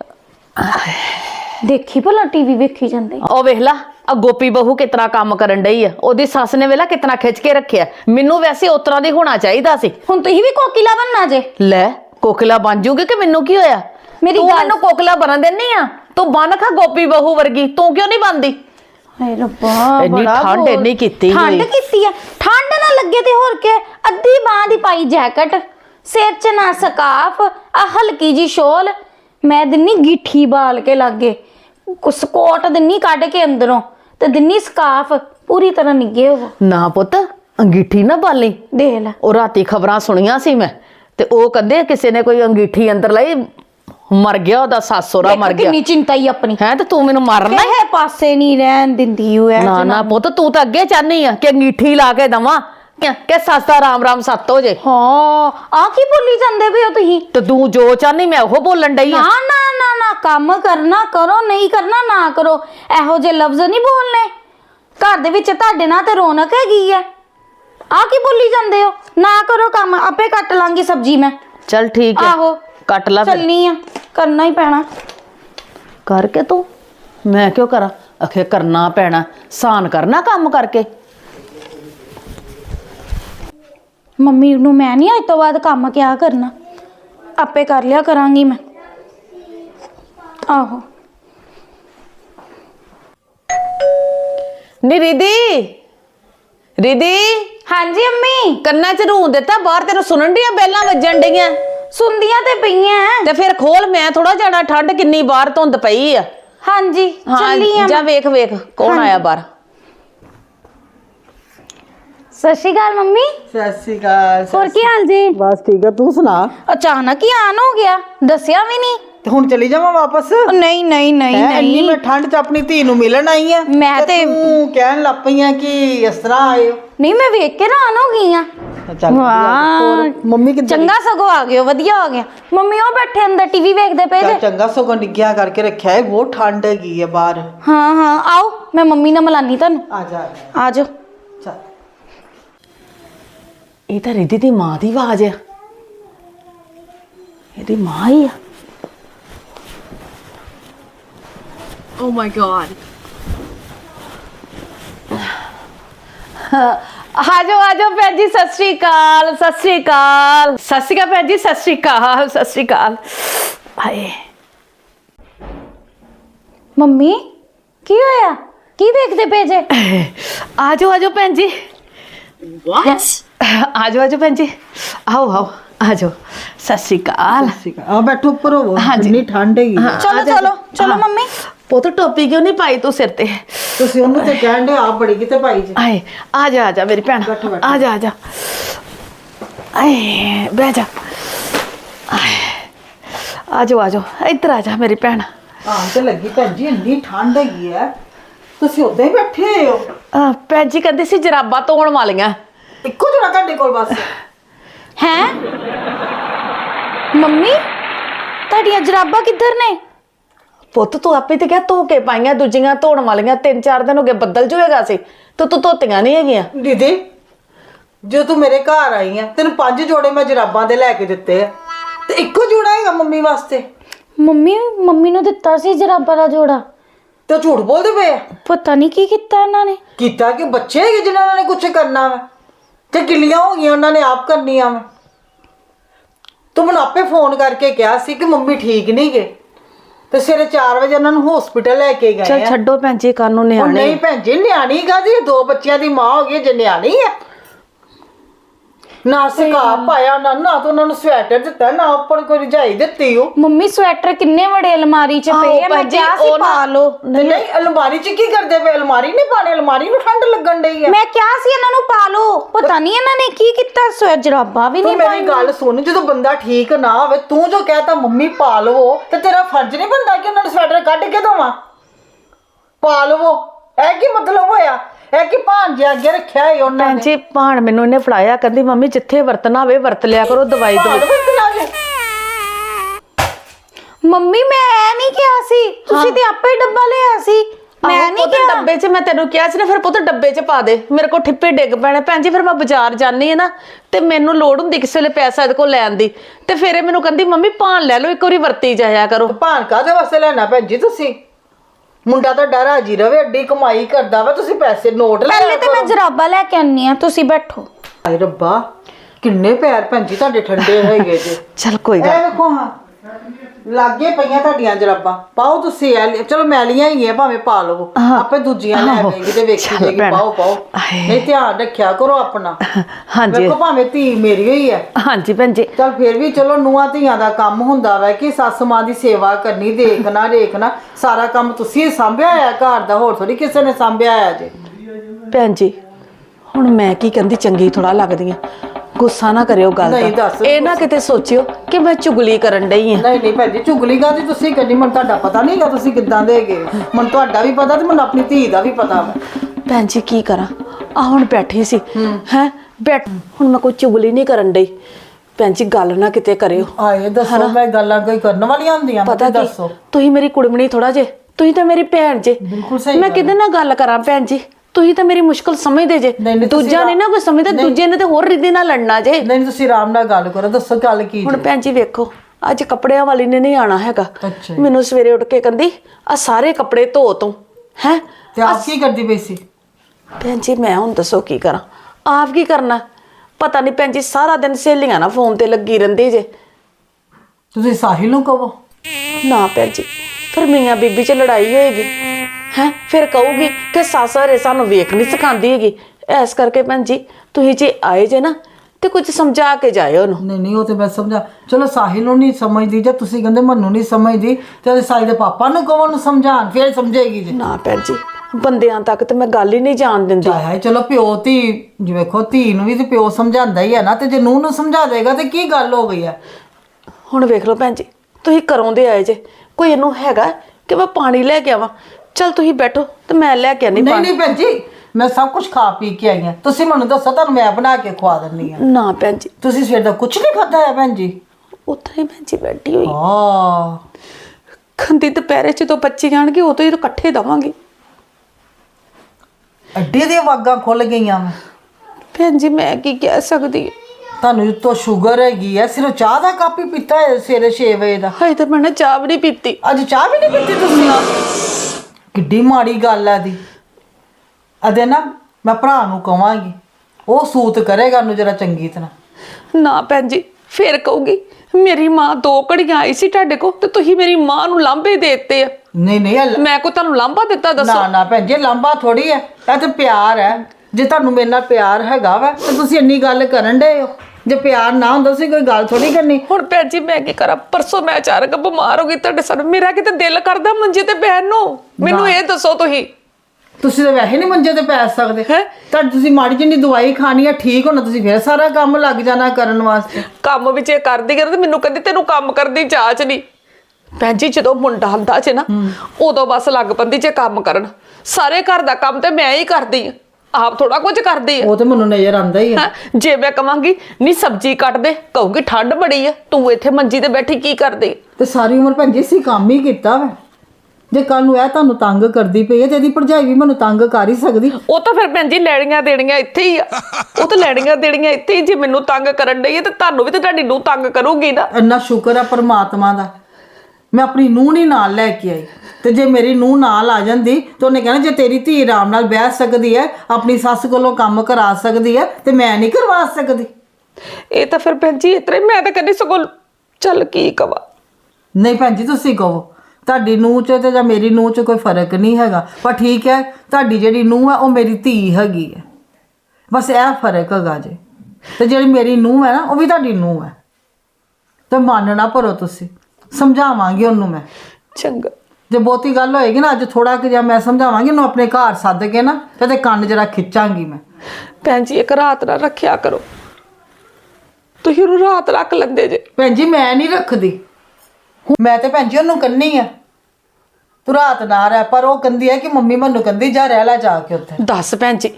S3: ਦੇਖੀ ਭਲਾ ਟੀਵੀ ਵੇਖੀ ਜਾਂਦੇ।
S4: ਉਹ ਵੇਖ ਲਾ ਆ ਗੋਪੀ ਬਹੂ ਕਿਤਨਾ ਕੰਮ ਕਰਨ ਡਈ ਆ। ਉਹਦੀ ਸੱਸ ਨੇ ਵੇਲਾ ਕਿਤਨਾ ਖਿੱਚ ਕੇ ਰੱਖਿਆ। ਮੈਨੂੰ ਵੈਸੇ ਉਤਰਾ ਦੀ ਹੋਣਾ ਚਾਹੀਦਾ ਸੀ।
S3: ਹੁਣ ਤੁਸੀਂ ਵੀ ਕੋਕਿਲਾ ਬਣਨਾ ਜੇ।
S4: ਲੈ ਕੋਕਿਲਾ ਬਣ ਜੂਗੀ ਕਿ ਮੈਨੂੰ ਕੀ ਹੋਇਆ?
S3: ਮੇਰੀ
S4: ਤੂੰ
S3: ਗੱਲ
S4: ਮੈਨੂੰ ਕੋਕਿਲਾ ਬਣਨ ਦੇਣੀ ਆ? ਤੂੰ ਬਣ ਖਾ ਗੋਪੀ ਬਹੂ ਵਰਗੀ। ਤੂੰ ਕਿਉਂ ਨਹੀਂ ਬਣਦੀ?
S3: ਹਾਏ ਰੱਬਾ
S4: ਇੰਨੀ
S3: ਬੜਾ
S4: ਠੰਡ
S3: ਬੋਲ-
S4: ਇੰਨੀ ਕੀਤੀ
S3: ਠੰਡ
S4: ਹੋਈ।
S3: ਕੀਤੀ ਆ। ਠੰਡ ਨਾ ਲੱਗੇ ਤੇ ਹੋਰ ਕੀ? ਅੱਧੀ ਬਾਂਹ ਦੀ ਪਾਈ ਜੈਕਟ, ਸਿਰ 'ਚ ਨਾ ਸਕਾਫ, ਆ ਹਲਕੀ ਜੀ ਸ਼ੋਲ, ਮੈਂ ਦਿੰਨੀ ਗਿੱਠੀ ਬਾਲ ਕੇ ਲਾਗੇ, ਸਕੋਟ ਦਿੰਨੀ ਕੱਢ ਕੇ ਅੰਦਰੋਂ, ਤੇ ਦਿੰਨੀ ਸਕਾਫ, ਪੂਰੀ ਤਰ੍ਹਾਂ ਨਿੱਗੇ ਹੋਵੋ।
S4: ਨਾ ਪੁੱਤ ਅੰਗੀਠੀ ਨਾ ਬਾਲੀ।
S3: ਦੇਖ ਲੈ,
S4: ਉਹ ਰਾਤੀ ਖਬਰਾਂ ਸੁਣੀਆਂ ਸੀ ਮੈਂ, ਤੇ ਉਹ ਕਹਿੰਦੇ ਕਿਸੇ ਨੇ ਕੋਈ ਅੰਗੀਠੀ ਅੰਦਰ ਲਈ, ਮਰ ਗਿਆ ਉਹਦਾ ਸੱਸ ਸਹੁਰਾ ਮਰ ਗਿਆ।
S3: ਕਿੰਨੀ ਚਿੰਤਾ ਹੀ ਆਪਣੀ,
S4: ਹੈ ਤੇ ਤੂੰ ਮੈਨੂੰ ਮਾਰਨਾ ਈ?
S3: ਕਿਸੇ ਪਾਸੇ ਨਹੀਂ ਰਹਿਣ ਦਿੰਦੀ ਉਹ ਇਹ
S4: ਨਾ ਨਾ ਪੁੱਤ ਤੂੰ ਤਾਂ ਅੱਗੇ ਚਾਹਨੀ ਆ ਕਿ ਅੰਗੀਠੀ ਲਾ ਕੇ ਦਵਾਂ ਕਿ ਸੱਸ ਦਾ ਰਾਮ ਰਾਮ ਸੱਤ ਹੋ ਜੇ।
S3: ਹਾਂ, ਆ ਕੀ ਬੋਲੀ ਜਾਂਦੇ ਪਏ ਹੋ ਤੁਸੀਂ?
S4: ਤੇ ਤੂੰ ਜੋ ਚਾਹਨੀ ਮੈਂ ਉਹ ਬੋਲਣ ਡਈ ਆ।
S3: ਨਾ ਨਾ ਨਾ ਨਾ, ਕੰਮ ਕਰਨਾ ਕਰੋ, ਨਹੀਂ ਕਰਨਾ ਨਾ ਕਰੋ, ਇਹੋ ਜਿਹੇ ਲਫ਼ਜ਼ ਨਹੀਂ ਬੋਲਨੇ। ਘਰ ਦੇ ਵਿੱਚ ਤੁਹਾਡੇ ਨਾਲ ਤੇ ਰੌਣਕ ਹੈਗੀ ਆ, ਆ ਕੀ ਬੋਲੀ ਜਾਂਦੇ ਹੋ? ਨਾ ਕਰੋ ਕੰਮ, ਆਪੇ ਕੱਟ ਲਾਂਗੀ ਸਬਜ਼ੀ ਮੈਂ।
S4: ਚੱਲ ਠੀਕ ਹੈ,
S3: ਆਹੋ
S4: ਕੱਟ ਲਾ ਫਿਰ।
S3: ਚੱਲਨੀ ਆ, ਕਰਨਾ ਹੀ ਪੈਣਾ।
S4: ਕਰਕੇ ਤੂੰ, ਮੈਂ ਕਿਉਂ ਕਰਾਂ? ਅਖੇ ਕਰਨਾ ਪੈਣਾ, ਸਾਨ ਕਰਨਾ ਕੰਮ ਕਰਕੇ।
S3: ਮੰਮੀ ਨੂੰ ਮੈਂ ਨਹੀਂ ਅੱਜ ਤੋਂ ਬਾਅਦ ਕੰਮ ਕਿਆ ਕਰਨਾ, ਆਪੇ ਕਰ ਲਿਆ ਕਰਾਂਗੀ ਮੈਂ। ਆਹੋ
S4: ਨੀ ਰਿਦੀ, ਰਿਦੀ
S3: ਹਾਂਜੀ ਅੰਮੀ,
S4: ਕੰਨਾਂ 'ਚ ਰੂੰ ਦਿੱਤਾ, ਬਾਹਰ ਤੈਨੂੰ ਸੁਣਨ ਡੀਆਂ ਬੈਲਾਂ ਵੱਜਣ ਡੀਆਂ।
S3: ਸੁਣਦੀਆਂ ਤੇ ਪਈਆਂ।
S4: ਤੇ ਫਿਰ ਖੋਲ, ਮੈਂ ਥੋੜਾ ਜਾਣਾ, ਠੰਡ ਕਿੰਨੀ ਬਾਹਰ ਧੁੰਦ ਪਈ ਆ।
S3: ਹਾਂਜੀ ਚੱਲੀ ਆ।
S4: ਜਾ ਵੇਖ ਵੇਖ ਕੌਣ ਆਇਆ ਬਾਹਰ।
S3: ਸਤਿ ਸ਼੍ਰੀ ਅਕਾਲ ਮੰਮੀ।
S1: ਸਤਿ ਸ਼੍ਰੀ ਅਕਾਲ।
S3: ਹੋਰ ਕੀ ਹਾਲ ਜੀ?
S1: ਬਸ ਠੀਕ ਆ, ਤੂੰ ਸੁਣਾ?
S3: ਅਚਾਨਕ ਹੀ ਆਨ ਹੋ ਗਿਆ, ਦੱਸਿਆ ਵੀ ਨਹੀਂ।
S1: ਤੇ ਹੁਣ ਚਲੀ ਜਾਵਾਂ ਵਾਪਸ?
S3: ਨਹੀਂ ਨਹੀਂ ਨਹੀਂ
S1: ਹੈਂ, ਇੰਨੀ
S3: ਨਹੀਂ,
S1: ਮੈਂ ਠੰਡ 'ਚ ਆਪਣੀ ਧੀ ਨੂੰ ਮਿਲਣ ਆਈ ਆ,
S3: ਮੈਂ ਤੇ
S1: ਤੂੰ ਕਹਿਣ ਲੱਗ ਪਈ ਆ ਕਿ ਇਸ ਤਰ੍ਹਾਂ ਆਏ ਹੋ।
S3: ਨਹੀਂ ਮੈਂ ਵੇਖ ਕੇ ਹੈਰਾਨ ਹੋ ਗਈ ਆ।
S1: ਚੱਲ ਵਧੀਆ।
S3: ਵਾਹ,
S1: ਹੋਰ ਮੰਮੀ ਕਿੱਦਾਂ?
S3: ਚੰਗਾ ਸਗੋਂ ਆ ਗਿਓ, ਵਧੀਆ ਹੋ ਗਿਆ। ਮੰਮੀ ਉਹ ਬੈਠੇ ਅੰਦਰ ਟੀਵੀ ਵੇਖਦੇ ਪਏ ਜੇ।
S1: ਚੰਗਾ ਸਗੋਂ ਨਿੱਘਿਆ ਕਰਕੇ ਰੱਖਿਆ ਹੈ, ਬਹੁਤ ਠੰਡ ਹੈਗੀ ਹੈ ਬਾਹਰ।
S3: ਹਾਂ ਹਾਂ, ਆਓ ਮੈਂ ਮੰਮੀ ਨਾਲ ਮਿਲਾਨੀ ਤੁਹਾਨੂੰ।
S1: ਆ ਜਾ
S3: ਆ ਜਾਓ।
S1: ਚੱਲ।
S4: ਇਹ ਤਾਂ ਰਿਦੀ ਦੀ ਮਾਂ ਦੀ ਆਵਾਜ਼ ਆ, ਇਹਦੀ ਮਾਂ ਹੀ ਆ।
S2: Oh my god.
S4: ਆਜੋ ਆਜੋ ਭੈਣ ਜੀ, ਸਤਿ ਸ਼੍ਰੀ ਅਕਾਲ, ਸਤਿ ਸ਼੍ਰੀ ਅਕਾਲ, ਸਤਿ ਸ਼੍ਰੀ ਅਕਾਲ ਭੈਣ ਜੀ, ਸਤਿ ਸ਼੍ਰੀ ਅਕਾਲ, ਸਤਿ ਸ਼੍ਰੀ ਅਕਾਲ। ਹਾਏ
S3: ਮੰਮੀ ਕੀ ਹੋਇਆ? ਕੀ ਵੇਖਦੇ ਪਏ ਜੇ?
S4: ਆਜੋ ਆਜੋ ਭੈਣ ਜੀ,
S2: ਵਾਟ?
S4: ਆਜੋ ਆਜੋ ਭੈਣ ਜੀ, ਆਓ ਆਓ ਆਜੋ, ਸਤਿ ਸ਼੍ਰੀ ਅਕਾਲ।
S1: ਆ ਬੈਠੋ, ਉੱਪਰ ਹੋਵੋ,
S4: ਹਾਂਜੀ।
S1: ਇੰਨੀ ਠੰਡ ਹੈਗੀ ਹੈ।
S3: ਚਲੋ ਚਲੋ ਚਲੋ ਮੰਮੀ।
S4: ਪੁੱਤ ਟੋਪੀ ਕਿਉਂ ਨਹੀਂ ਪਾਈ ਤੂੰ ਸਿਰ ਤੇ?
S1: ਤੁਸੀਂ ਉਹਨੂੰ ਤੇ ਕਹਿਣ ਦੇ, ਆਪ ਬੜੀ ਕਿਤੇ ਪਾਈ ਜੀ।
S4: ਆਏ ਆ ਜਾ ਆ ਜਾ ਮੇਰੀ ਭੈਣ,
S1: ਬੈਠੋ, ਬੈਠੋ।
S4: ਆ ਜਾ ਆ ਜਾ, ਆਏ ਬਹਿ ਜਾ, ਆਜੋ ਆਜੋ ਇੱਧਰ ਆ ਜਾ ਮੇਰੀ ਭੈਣ।
S1: ਹਾਂ ਤੇ ਲੱਗੀ ਭੈਣ ਜੀ, ਇੰਨੀ ਠੰਡ ਹੈਗੀ ਹੈ, ਤੁਸੀਂ ਉਦਾਂ ਹੀ ਬੈਠੇ ਹੋਏ ਹੋ।
S4: ਭੈਣ ਜੀ ਕਹਿੰਦੇ ਸੀ ਜਰਾਬਾਂ ਧੋਣ ਵਾਲੀਆਂ।
S1: ਇੱਕੋ ਜਣਾ ਤੁਹਾਡੇ ਕੋਲ ਬਸ?
S3: ਹੈਂ ਮੰਮੀ, ਤੁਹਾਡੀਆਂ ਜਰਾਬਾਂ ਕਿੱਧਰ ਨੇ?
S4: ਪੁੱਤ ਤੂੰ ਆਪੇ ਤੇ ਕਿਹਾ ਧੋ ਕੇ ਪਾਈਆਂ, ਦੂਜੀਆਂ ਧੋਣ ਵਾਲੀਆਂ 3-4 ਦਿਨ ਹੋ ਗਏ, ਬੱਦਲ ਜੂਏਗਾ ਸੀ ਤੇ ਤੂੰ ਧੋਤੀਆਂ ਨਹੀਂ ਹੈਗੀਆਂ।
S1: ਦੀਦੀ, ਜੋ ਤੂੰ ਮੇਰੇ ਘਰ ਆਈ ਆ, ਤੈਨੂੰ 5 ਜੋੜੇ ਮੈਂ ਜਰਾਬਾਂ ਦੇ ਲੈ ਕੇ ਦਿੱਤੇ ਆ, ਤੇ ਇੱਕੋ ਜੋੜਾ ਹੈਗਾ ਮੰਮੀ ਵਾਸਤੇ।
S3: ਮੰਮੀ ਨੂੰ ਦਿੱਤਾ ਸੀ ਜਰਾਬਾਂ ਦਾ ਜੋੜਾ।
S1: ਤੇ ਉਹ ਝੂਠ ਬੋਲਦੇ ਪਏ ਆ।
S3: ਪਤਾ ਨਹੀਂ ਕੀ ਕੀਤਾ ਇਹਨਾਂ ਨੇ।
S1: ਕੀਤਾ ਕਿ ਬੱਚੇ ਹੈਗੇ ਜਿਨ੍ਹਾਂ ਨੇ ਕੁਝ ਕਰਨਾ ਵਾ, ਤੇ ਗਿੱਲੀਆਂ ਹੋ ਗਈਆਂ ਉਹਨਾਂ ਨੇ ਆਪ ਕਰਨੀਆਂ ਵਾ। ਤੂੰ ਮੈਨੂੰ ਆਪੇ ਫੋਨ ਕਰਕੇ ਕਿਹਾ ਸੀ ਕਿ ਮੰਮੀ ਠੀਕ ਨਹੀਂ ਗਏ, ਤੇ ਸਵੇਰੇ 4 ਵਜੇ ਉਹਨਾਂ ਨੂੰ ਹਸਪੀਟਲ ਲੈ ਕੇ ਗਏ
S4: ਚਲ
S1: ਆ।
S4: ਛੱਡੋ ਭੈਣ ਜੀ, ਕਾਨੂੰ
S1: ਉਹ
S4: ਨਿਆਣੇ।
S1: ਨਹੀਂ ਭੈਣ ਜੀ, ਨਿਆਣੀ ਕਾਹਦੀ, 2 ਬੱਚਿਆਂ ਦੀ ਮਾਂ ਹੋ ਗਈ, ਜੇ ਨਿਆਣੀ ਆ। ਨਾ ਸਕਾਪ ਪਾਇਆ ਉਹਨਾਂ ਨੂੰ, ਨਾ ਤਾਂ ਉਹਨਾਂ ਨੂੰ ਸਵੈਟਰ ਦਿੱਤਾ, ਨਾ ਉੱਪਰ ਕੋਈ ਰਜਾਈ ਦਿੱਤੀ। ਉਹ
S3: ਮੰਮੀ ਸਵੈਟਰ ਕਿੰਨੇ ਵੱਡੇ ਅਲਮਾਰੀ 'ਚ ਪਏ ਆ, ਮੈਂ ਕਿਹਾ ਸੀ ਪਾ ਲਓ।
S1: ਤੇ ਨਹੀਂ, ਅਲਮਾਰੀ 'ਚ ਕੀ ਕਰਦੇ ਪਏ? ਅਲਮਾਰੀ ਨਹੀਂ ਪਾਣੀ, ਅਲਮਾਰੀ ਨੂੰ ਠੰਡ ਲੱਗਣ ਡਈ ਆ।
S3: ਮੈਂ ਕਿਹਾ ਸੀ ਇਹਨਾਂ ਨੂੰ ਪਾ ਲਓ, ਪਤਾ ਨਹੀਂ ਇਹਨਾਂ ਨੇ ਕੀ ਕੀਤਾ, ਜਰਾਬਾਂ ਵੀ
S1: ਤੂੰ
S3: ਨਹੀਂ
S1: ਮੇਰੀ
S3: ਪਾਈਆਂ।
S1: ਗੱਲ ਸੁਣ, ਜਦੋਂ ਬੰਦਾ ਠੀਕ ਨਾ ਹੋਵੇ, ਤੂੰ ਜੋ ਕਹਤਾ ਮੰਮੀ ਪਾ ਲਵੋ, ਤੇ ਤੇਰਾ ਫਰਜ਼ ਨਹੀਂ ਬਣਦਾ ਕਿ ਉਹਨਾਂ ਨੂੰ ਸਵੈਟਰ ਕੱਢ ਕੇ ਦਵਾਂ? ਪਾ ਲਵੋ, ਇਹ ਕੀ ਮਤਲਬ ਹੋਇਆ? ਇਹ ਕੀ ਭਾਂਜੇ ਅੱਗੇ ਰੱਖਿਆ ਹੈ ਉਹਨਾਂ
S4: ਭੈਣ
S1: ਨੇ?
S4: ਜੀ ਭਾਣ ਮੈਨੂੰ ਇਹਨੇ ਫੜਾਇਆ, ਕਹਿੰਦੀ ਮੰਮੀ ਜਿੱਥੇ ਵਰਤਣਾ ਹੋਵੇ ਵਰਤ ਲਿਆ ਕਰੋ, ਦਵਾਈ
S1: ਭਾਂਜ
S4: ਦਵਾਈ।
S1: ਵਰਤਣਾ ਜੇ?
S3: ਮੰਮੀ ਮੈਂ ਇਹ ਨਹੀਂ ਕਿਹਾ ਸੀ, ਤੁਸੀਂ ਤੇ ਆਪੇ ਡੱਬਾ ਲਿਆ ਸੀ, ਮੈਂ ਨਹੀਂ
S4: ਪੁੱਤ
S3: ਕਿਹਾ।
S4: ਡੱਬੇ 'ਚ ਮੈਂ ਤੈਨੂੰ ਕਿਹਾ ਸੀ ਨਾ, ਫਿਰ ਪੁੱਤ ਡੱਬੇ 'ਚ ਪਾ ਦੇ, ਮੇਰੇ ਕੋਲ ਠਿੱਪੇ ਡਿੱਗ ਪੈਣੇ। ਭੈਣ ਜੀ ਫਿਰ ਮੈਂ ਬਾਜ਼ਾਰ ਜਾਂਦੀ ਹੈ ਨਾ, ਤੇ ਮੈਨੂੰ ਲੋੜ ਹੁੰਦੀ ਕਿਸੇ ਵੇਲੇ ਪੈਸਾ ਇਹਦੇ ਕੋਲ ਲੈਣ ਦੀ, ਤੇ ਫਿਰ ਇਹ ਮੈਨੂੰ ਕਹਿੰਦੀ ਮੰਮੀ ਭਾਣ ਲੈ ਲਓ, ਇੱਕ ਵਾਰੀ ਵਰਤੀ ਜਾਇਆ ਕਰੋ।
S1: ਭਾਣ ਕਾਹਦੇ ਵਾਸਤੇ ਲੈਣਾ ਭੈਣ ਜੀ ਤੁਸੀਂ? ਮੁੰਡਾ ਤਾਂ ਡਰ ਹਾਜੀ ਰਵੇ, ਅੱਡੀ ਕਮਾਈ ਕਰਦਾ ਵਾ, ਤੁਸੀਂ ਪੈਸੇ ਨੋਟ ਲੈ
S3: ਪਹਿਲੇ ਤੇ ਮੈਂ ਜਰਾਬਾਂ ਲੈ ਕੇ ਆਨੀ ਆ, ਤੁਸੀਂ ਬੈਠੋ।
S1: ਹਾਏ ਰੱਬਾ, ਕਿੰਨੇ ਪੈਰ ਭੈਣ ਜੀ ਤੁਹਾਡੇ ਠੰਡੇ ਹੈਗੇ ਜੇ।
S4: ਚਲ ਕੋਈ ਗੱਲ।
S1: ਇਹ ਵੇਖੋ ਹਾਂ, ਲਾਗੇ ਪਈਆਂ ਤੁਹਾਡੀਆਂ ਜਰਾਬਾਂ ਪਾਓ ਤੁਸੀਂ ਚਲੋ ਮੈਲੀਆਂ ਹੀ ਆ ਭਾਵੇਂ ਪਾ ਲਵੋ ਆਪੇ ਦੂਜੀਆਂ ਲੈ ਆਵੇਗੀ ਤੇ ਵੇਖੀ
S4: ਚੱਲ
S1: ਜਾਏਗੀ
S4: ਭੈਣ।
S1: ਪਾਓ ਪਾਓ
S4: ਆਏ।
S1: ਨਹੀਂ ਧਿਆਨ ਰੱਖਿਆ ਕਰੋ ਆਪਣਾ
S4: ਹਾਂਜੀ
S1: ਵੇਖੋ ਭਾਵੇਂ ਧੀ ਮੇਰੀ ਹੋਈ ਹੈ
S4: ਹਾਂਜੀ ਭੈਣ ਜੀ
S1: ਚਲ ਫਿਰ ਵੀ ਚਲੋ ਨੂੰਹਾਂ ਧੀਆਂ ਦਾ ਕੰਮ ਹੁੰਦਾ ਵਾ ਕਿ ਸੱਸ ਮਾਂ ਦੀ ਸੇਵਾ ਕਰਨੀ ਦੇਖਣਾ ਸਾਰਾ ਕੰਮ ਤੁਸੀਂ ਸੰਭਿਆ ਆ ਘਰ ਦਾ ਹੋਰ ਥੋੜੀ ਕਿਸੇ ਨੇ ਸੰਭਿਆ ਆ ਜੇ
S4: ਭੈਣ ਜੀ ਹੁਣ ਮੈਂ ਕੀ ਕਹਿੰਦੀ ਚੰਗੀ ਥੋੜਾ ਲੱਗਦੀ ਆ ਗੁੱਸਾ ਨਾ ਕਰਿਓ ਗੱਲ
S1: ਨਹੀਂ,
S4: ਦਾ
S1: ਦੱਸ।
S4: ਇਹ ਨਾ ਕਿਤੇ ਸੋਚਿਓ ਕਿ ਮੈਂ ਚੁਗਲੀ ਕਰਨ ਡਈ ਆ
S1: ਨਹੀਂ ਨਹੀਂ ਭੈਣ ਜੀ ਚੁਗਲੀ ਗਾਦੀ ਤੁਸੀਂ ਕਰਨੀ ਮੈਨੂੰ ਤੁਹਾਡਾ ਪਤਾ ਨਹੀਂਗਾ ਤੁਸੀਂ ਕਿੱਦਾਂ ਦੇਗੇ ਮੈਨੂੰ ਤੁਹਾਡਾ ਵੀ ਪਤਾ ਤੇ ਮੈਨੂੰ ਆਪਣੀ ਧੀ ਦਾ ਵੀ ਪਤਾ ਵਾ
S4: ਭੈਣ ਜੀ ਕੀ ਕਰਾਂ ਆ ਹੁਣ ਬੈਠੀ ਸੀ ਹੈ ਬੈਠ ਹੁਣ ਮੈਂ ਕੋਈ ਚੁਗਲੀ ਨਹੀਂ ਕਰਨ ਡਈ ਭੈਣ ਜੀ ਗੱਲ ਨਾ ਕਿਤੇ ਕਰਿਓ
S1: ਆਏ ਦੱਸੋ ਮੈਂ ਗੱਲਾਂ ਕੋਈ ਕਰਨ ਵਾਲੀਆਂ ਹੁੰਦੀਆਂ
S4: ਪਤਾ
S1: ਮੈਨੂੰ
S4: ਕੀ
S1: ਦੱਸੋ
S4: ਤੁਸੀਂ ਮੇਰੀ ਕੁੜਮਣੀ ਥੋੜਾ ਜੇ ਤੁਸੀਂ ਤਾਂ ਮੇਰੀ ਭੈਣ ਜੇ
S1: ਬਿਲਕੁਲ ਸਹੀ
S4: ਮੈਂ
S1: ਗੱਲ
S4: ਕਿਹਦੇ ਨਾਲ ਗੱਲ ਕਰਾਂ ਭੈਣ ਜੀ ਤੁਸੀਂ ਤਾਂ ਮੇਰੀ ਮੁਸ਼ਕਲ ਸਮਝਦੇ ਜੇ
S1: ਨਹੀਂ, ਨਹੀਂ, ਤੁਸੀਂ
S4: ਦੂਜਾ ਨਹੀਂ ਨਾ ਕੋਈ ਸਮਝਦਾ ਦੂਜੇ ਨੇ ਤੇ ਹੋਰ ਰਿੱਧੀ ਨਾਲ ਲੜਨਾ ਜੇ
S1: ਨਹੀਂ ਤੁਸੀਂ ਆਰਾਮ ਨਾਲ ਗੱਲ ਕਰੋ ਦੱਸੋ ਗੱਲ ਕੀ
S4: ਹੁਣ ਭੈਣ ਜੀ ਵੇਖੋ ਅੱਜ ਕੱਪੜਿਆਂ ਵਾਲੀ ਨੇ ਨਹੀਂ ਆਣਾ ਹੈਗਾ
S1: ਅੱਛਾ।
S4: ਮੈਨੂੰ ਸਵੇਰੇ ਉੱਠ ਕੇ ਕਹਿੰਦੀ ਆ ਸਾਰੇ ਕੱਪੜੇ ਧੋ ਤੂੰ ਹੈ
S1: ਤੇ ਆਪ ਕੀ ਕਰਦੀ ਪਈ ਸੀ
S4: ਭੈਣ ਜੀ ਮੈਂ ਹੁਣ ਦੱਸੋ ਕੀ ਕਰਾਂ ਆਪ ਕੀ ਕਰਨਾ ਪਤਾ ਨਹੀਂ ਭੈਣ ਜੀ ਸਾਰਾ ਦਿਨ ਸਹੇਲੀਆਂ ਨਾਲ ਫੋਨ ਤੇ ਲੱਗੀ ਰਹਿੰਦੀ ਜੇ
S1: ਤੁਸੀਂ ਸਾਹਿਲ ਨੂੰ ਕਹੋ
S4: ਨਾ ਭੈਣ ਜੀ ਫਿਰ ਮੀਆਂ ਬੀਬੀ 'ਚ ਲੜਾਈ ਹੋਏਗੀ ਹੈ ਫਿਰ ਕਹੂਗੀ ਕਿ ਸੱਸ ਹਰੇ ਸਾਨੂੰ ਵੇਖ ਨਹੀਂ ਸਿਖਾਉਂਦੀ ਹੈਗੀ ਇਸ ਕਰਕੇ ਭੈਣ ਜੀ ਤੁਸੀਂ ਜੇ ਆਏ ਜੇ ਨਾ ਤੇ ਕੁਝ ਸਮਝਾ ਕੇ ਜਾਇਓ ਉਹਨੂੰ
S1: ਨਹੀਂ ਨਹੀਂ ਉਹ ਤੇ ਮੈਂ ਸਮਝਾ ਚਲੋ ਸਾਹਿਲ ਨੂੰ ਨਹੀਂ ਸਮਝਦੀ ਜੇ ਤੁਸੀਂ ਕਹਿੰਦੇ ਮੈਨੂੰ ਨਹੀਂ ਸਮਝਦੀ ਤੇ ਉਹਦੇ ਸਾਹਿਲ ਦੇ ਪਾਪਾ ਨੂੰ ਕਹੋ ਉਹਨੂੰ ਸਮਝਾਣ ਫਿਰ ਸਮਝੇਗੀ ਜੀ
S4: ਨਾ ਭੈਣ ਜੀ ਬੰਦਿਆਂ ਤੱਕ ਤੇ ਮੈਂ ਗੱਲ ਹੀ ਨਹੀਂ ਜਾਣ ਦਿੰਦੀ
S1: ਚਾਹੇ ਚਲੋ ਪਿਓ ਧੀ ਜਿਵੇਂ ਵੇਖੋ ਧੀ ਨੂੰ ਵੀ ਤੇ ਪਿਓ ਸਮਝਾਉਂਦਾ ਹੀ ਹੈ ਨਾ ਤੇ ਜੇ ਨੂੰਹ ਨੂੰ ਸਮਝਾ ਦੇਗਾ ਤੇ ਕੀ ਗੱਲ ਹੋ ਗਈ ਹੈ
S4: ਹੁਣ ਵੇਖ ਲਓ ਭੈਣ ਜੀ ਤੁਸੀਂ ਘਰੋਂ ਦੇ ਆਏ ਜੇ ਕੋਈ ਇਹਨੂੰ ਹੈਗਾ ਕਿ ਮੈਂ ਪਾਣੀ ਲੈ ਕੇ ਆਵਾਂ ਚਲ ਤੁਸੀਂ ਬੈਠੋ ਤੇ ਮੈਂ ਲੈ ਕੇ ਆਨੀ
S1: ਨਹੀਂ
S4: ਪਾਣੀ
S1: ਨਹੀਂ ਭੈਣ ਜੀ ਮੈਂ ਸਭ ਕੁਝ ਖਾ ਪੀ ਕੇ ਆਈ ਹਾਂ ਤੁਸੀਂ ਮੈਨੂੰ ਦੱਸੋ ਤੁਹਾਨੂੰ ਮੈਂ ਬਣਾ ਕੇ ਖਵਾ ਦਿੰਨੀ ਆ
S4: ਨਾ ਭੈਣ ਜੀ
S1: ਤੁਸੀਂ ਸਵੇਰ ਦਾ ਕੁਝ ਨਹੀਂ ਖਾਧਾ ਹੈ ਭੈਣ ਜੀ
S4: ਉੱਥੇ ਹੀ ਭੈਣ ਜੀ ਬੈਠੀ ਹੋਈ
S1: ਹਾਂ
S4: ਖੰਦੀ ਦੁਪਹਿਰੇ ਚ ਤੋਂ ਬੱਚੇ ਆਣਗੇ ਉਦੋਂ ਹੀ ਤਾਂ ਇਕੱਠੇ ਦਵਾਂਗੇ
S1: ਅੱਡੇ ਦੀਆਂ ਵਾਗਾਂ ਖੁੱਲ ਗਈਆਂ ਮੈਂ
S4: ਭੈਣ ਜੀ ਮੈਂ ਕੀ ਕਹਿ ਸਕਦੀ
S1: ਤੁਹਾਨੂੰ ਉੱਤੋਂ ਸ਼ੂਗਰ ਹੈਗੀ ਹੈ ਸਿਰਫ ਚਾਹ ਦਾ ਕੱਪ ਹੀ ਪੀਤਾ ਹੈ ਸਵੇਰੇ 6 ਵਜੇ ਦਾ
S4: ਹਾਏ ਤਾਂ ਮੈਂ ਚਾਹ ਵੀ ਨਹੀਂ ਪੀਤੀ
S1: ਅੱਜ ਚਾਹ ਵੀ ਨਹੀਂ ਪੀਤੀ ਤੁਸੀਂ ਕਿੱਡੀ ਮਾੜੀ ਗੱਲ ਹੈ ਦੀ ਅਦੇ ਨਾ ਮੈਂ ਭਰਾ ਨੂੰ ਕਵਾਂਗੀ ਉਹ ਸੂਤ ਕਰੇਗਾ ਨੂੰ ਜਰਾ ਚੰਗੀ ਤਰ੍ਹਾਂ
S4: ਨਾ ਭੈਣ ਜੀ ਫੇਰ ਕਹੂਗੀ ਮੇਰੀ ਮਾਂ 2 ਘੜੀਆਂ ਆਈ ਸੀ ਤੁਹਾਡੇ ਕੋਲ ਤੇ ਤੁਸੀਂ ਮੇਰੀ ਮਾਂ ਨੂੰ ਲਾਂਭੇ ਦੇ ਦਿੱਤੇ ਆ
S1: ਨਹੀਂ ਨਹੀਂ
S4: ਮੈਂ ਕੋ ਤੁਹਾਨੂੰ ਲਾਂਭਾ ਦਿੱਤਾ ਦੱਸੋ
S1: ਨਾ ਨਾ ਭੈਣ ਜੀ ਲੰਬਾ ਥੋੜੀ ਹੈ ਇਹ ਤੇ ਪਿਆਰ ਹੈ ਜੇ ਤੁਹਾਨੂੰ ਮੇਰੇ ਨਾਲ ਪਿਆਰ ਹੈਗਾ ਵਾ ਤੇ ਤੁਸੀਂ ਇੰਨੀ ਗੱਲ ਕਰਨ ਡਏ ਹੋ ਜੇ ਪਿਆਰ ਨਾ ਹੁੰਦਾ ਸੀ ਕੋਈ ਗੱਲ ਥੋੜੀ ਕਰਨੀ
S4: ਹੁਣ ਭੈਣ ਜੀ ਮੈਂ ਕੀ ਕਰਾਂ ਪਰਸੋਂ ਮੈਂ ਅਚਾਨਕ ਬਿਮਾਰ ਹੋ ਗਈ ਤੁਹਾਡੇ ਸਾਹਮਣੇ ਮੇਰਾ ਕਿਤੇ ਦਿਲ ਕਰਦਾ ਮੰਜੇ ਤੇ ਬਹਿਣ ਨੂੰ ਮੈਨੂੰ ਇਹ ਦੱਸੋ
S1: ਤੁਸੀਂ ਤਾਂ ਵੈਸੇ ਨਹੀਂ ਮੰਜੇ ਤੇ ਪੈ ਸਕਦੇ
S4: ਹੈਂ?
S1: ਤਾਂ ਤੁਸੀਂ ਮਾੜੀ ਜਿੰਨੀ ਦਵਾਈ ਖਾਣੀ ਆ ਠੀਕ ਹੋਣਾ ਤੁਸੀਂ ਫਿਰ ਸਾਰਾ ਕੰਮ ਲੱਗ ਜਾਣਾ ਕਰਨ ਵਾਸਤੇ
S4: ਕੰਮ ਵਿੱਚ ਇਹ ਕਰਦੀ ਤੇ ਮੈਨੂੰ ਕਹਿੰਦੀ ਤੈਨੂੰ ਕੰਮ ਕਰਦੀ ਚਾਚ ਨਹੀਂ ਭੈਣ ਜੀ ਜਦੋਂ ਮੁੰਡਾ ਹੁੰਦਾ ਜੇ ਨਾ ਉਦੋਂ ਬਸ ਲੱਗ ਪੰਦੀ ਜੇ ਕੰਮ ਕਰਨ ਸਾਰੇ ਘਰ ਦਾ ਕੰਮ ਤੇ ਮੈਂ ਹੀ ਕਰਦੀ ਆ ਆਪ ਥੋੜਾ ਕੁਝ ਕਰਦੀ ਆ
S1: ਉਹ ਤੇ ਮੈਨੂੰ ਨਜ਼ਰ ਆਉਂਦਾ ਹੀ ਆ
S4: ਹੈਂ? ਜੇ ਮੈਂ ਕਵਾਂਗੀ ਨਹੀਂ ਸਬਜ਼ੀ ਕੱਟ ਦੇ ਕਹੂਗੀ ਠੰਡ ਬੜੀ ਆ ਤੂੰ ਇੱਥੇ ਮੰਜੀ ਤੇ ਬੈਠੀ ਕੀ ਕਰਦੀ
S1: ਤੇ ਸਾਰੀ ਉਮਰ ਭੈਣ ਜੀ ਅਸੀਂ ਕੰਮ ਹੀ ਕੀਤਾ ਵਾ ਜੇ ਕੱਲ ਨੂੰ ਇਹ ਤੁਹਾਨੂੰ ਤੰਗ ਕਰਦੀ ਪਈ ਹੈ ਤੇ ਇਹਦੀ ਭਰਜਾਈ ਵੀ ਮੈਨੂੰ ਤੰਗ ਕਰ ਹੀ ਸਕਦੀ
S4: ਉਹ ਤਾਂ ਫਿਰ ਭੈਣ ਜੀ ਲੈਣੀਆਂ ਦੇਣੀਆਂ ਇੱਥੇ ਹੀ ਆ ਉਹ ਤਾਂ ਲੈਣੀਆਂ ਦੇਣੀਆਂ ਇੱਥੇ ਹੀ ਜੇ ਮੈਨੂੰ ਤੰਗ ਕਰਨ ਡਈ ਹੈ ਤੇ ਤੁਹਾਨੂੰ ਵੀ ਤੇ ਤੁਹਾਡੀ ਨੂੰ ਤੰਗ ਕਰੂਗੀ ਨਾ
S1: ਇੰਨਾ ਸ਼ੁਕਰ ਹੈ ਪਰਮਾਤਮਾ ਦਾ ਮੈਂ ਆਪਣੀ ਨੂੰਹ ਨਹੀਂ ਨਾਲ ਲੈ ਕੇ ਆਈ ਤੇ ਜੇ ਮੇਰੀ ਨੂੰਹ ਨਾਲ ਆ ਜਾਂਦੀ ਤਾਂ ਉਹਨੇ ਕਹਿਣਾ ਜੇ ਤੇਰੀ ਧੀ ਆਰਾਮ ਨਾਲ ਬਹਿ ਸਕਦੀ ਹੈ ਆਪਣੀ ਸੱਸ ਕੋਲੋਂ ਕੰਮ ਕਰਾ ਸਕਦੀ ਹੈ ਤੇ ਮੈਂ ਨਹੀਂ ਕਰਵਾ ਸਕਦੀ
S4: ਇਹ ਤਾਂ ਫਿਰ ਭੈਣ ਜੀ ਇਤਰੇ ਮੈਂ ਤਾਂ ਕਦੀ ਸਗੋਂ ਚੱਲ ਕੀ ਕਵਾਂ
S1: ਨਹੀਂ ਭੈਣ ਜੀ ਤੁਸੀਂ ਕਹੋ ਤੁਹਾਡੀ ਨੂੰਹ 'ਚ ਤੇ ਜਾਂ ਮੇਰੀ ਨੂੰਹ 'ਚ ਕੋਈ ਫਰਕ ਨਹੀਂ ਹੈਗਾ ਪਰ ਠੀਕ ਹੈ ਤੁਹਾਡੀ ਜਿਹੜੀ ਨੂੰਹ ਹੈ ਉਹ ਮੇਰੀ ਧੀ ਹੈਗੀ ਹੈ ਬਸ ਇਹ ਫਰਕ ਹੈਗਾ ਜੇ ਤੇ ਜਿਹੜੀ ਮੇਰੀ ਨੂੰਹ ਹੈ ਨਾ ਉਹ ਵੀ ਤੁਹਾਡੀ ਨੂੰਹ ਹੈ ਤੇ ਮੰਨਣਾ ਭਰੋ ਤੁਸੀਂ ਸਮਝਾਵਾਂਗੀ ਉਹਨੂੰ ਮੈਂ
S4: ਚੰਗਾ
S1: ਜੇ ਬਹੁਤੀ ਗੱਲ ਹੋਏਗੀ ਨਾ ਅੱਜ ਥੋੜਾ ਕਿ ਜਾਂ ਮੈਂ ਸਮਝਾਵਾਂਗੀ ਉਹਨੂੰ ਆਪਣੇ ਘਰ ਸੱਦ ਕੇ ਨਾ ਤੇ ਕੰਨ ਜਰਾ ਖਿੱਚਾਂਗੀ ਮੈਂ
S4: ਭੈਣ ਜੀ ਇੱਕ ਰਾਤ ਨਾ ਰੱਖਿਆ ਕਰੋ ਤੁਸੀਂ ਉਹਨੂੰ ਰਾਤ ਰੱਖ ਲੈਂਦੇ ਜੇ
S1: ਭੈਣ ਜੀ ਮੈਂ ਨਹੀਂ ਰੱਖਦੀ ਮੈਂ ਤੇ ਭੈਣ ਜੀ ਉਹਨੂੰ ਕੰਨੀ ਆ ਤੂੰ ਰਾਤ ਨਾ ਰਹਿ ਪਰ ਉਹ ਕਹਿੰਦੀ ਹੈ ਕਿ ਮੰਮੀ ਮੈਨੂੰ ਕਹਿੰਦੀ ਜਾ ਰਹਿ ਲੈ ਜਾ ਕੇ ਉੱਥੇ
S4: ਦੱਸ ਭੈਣ ਜੀ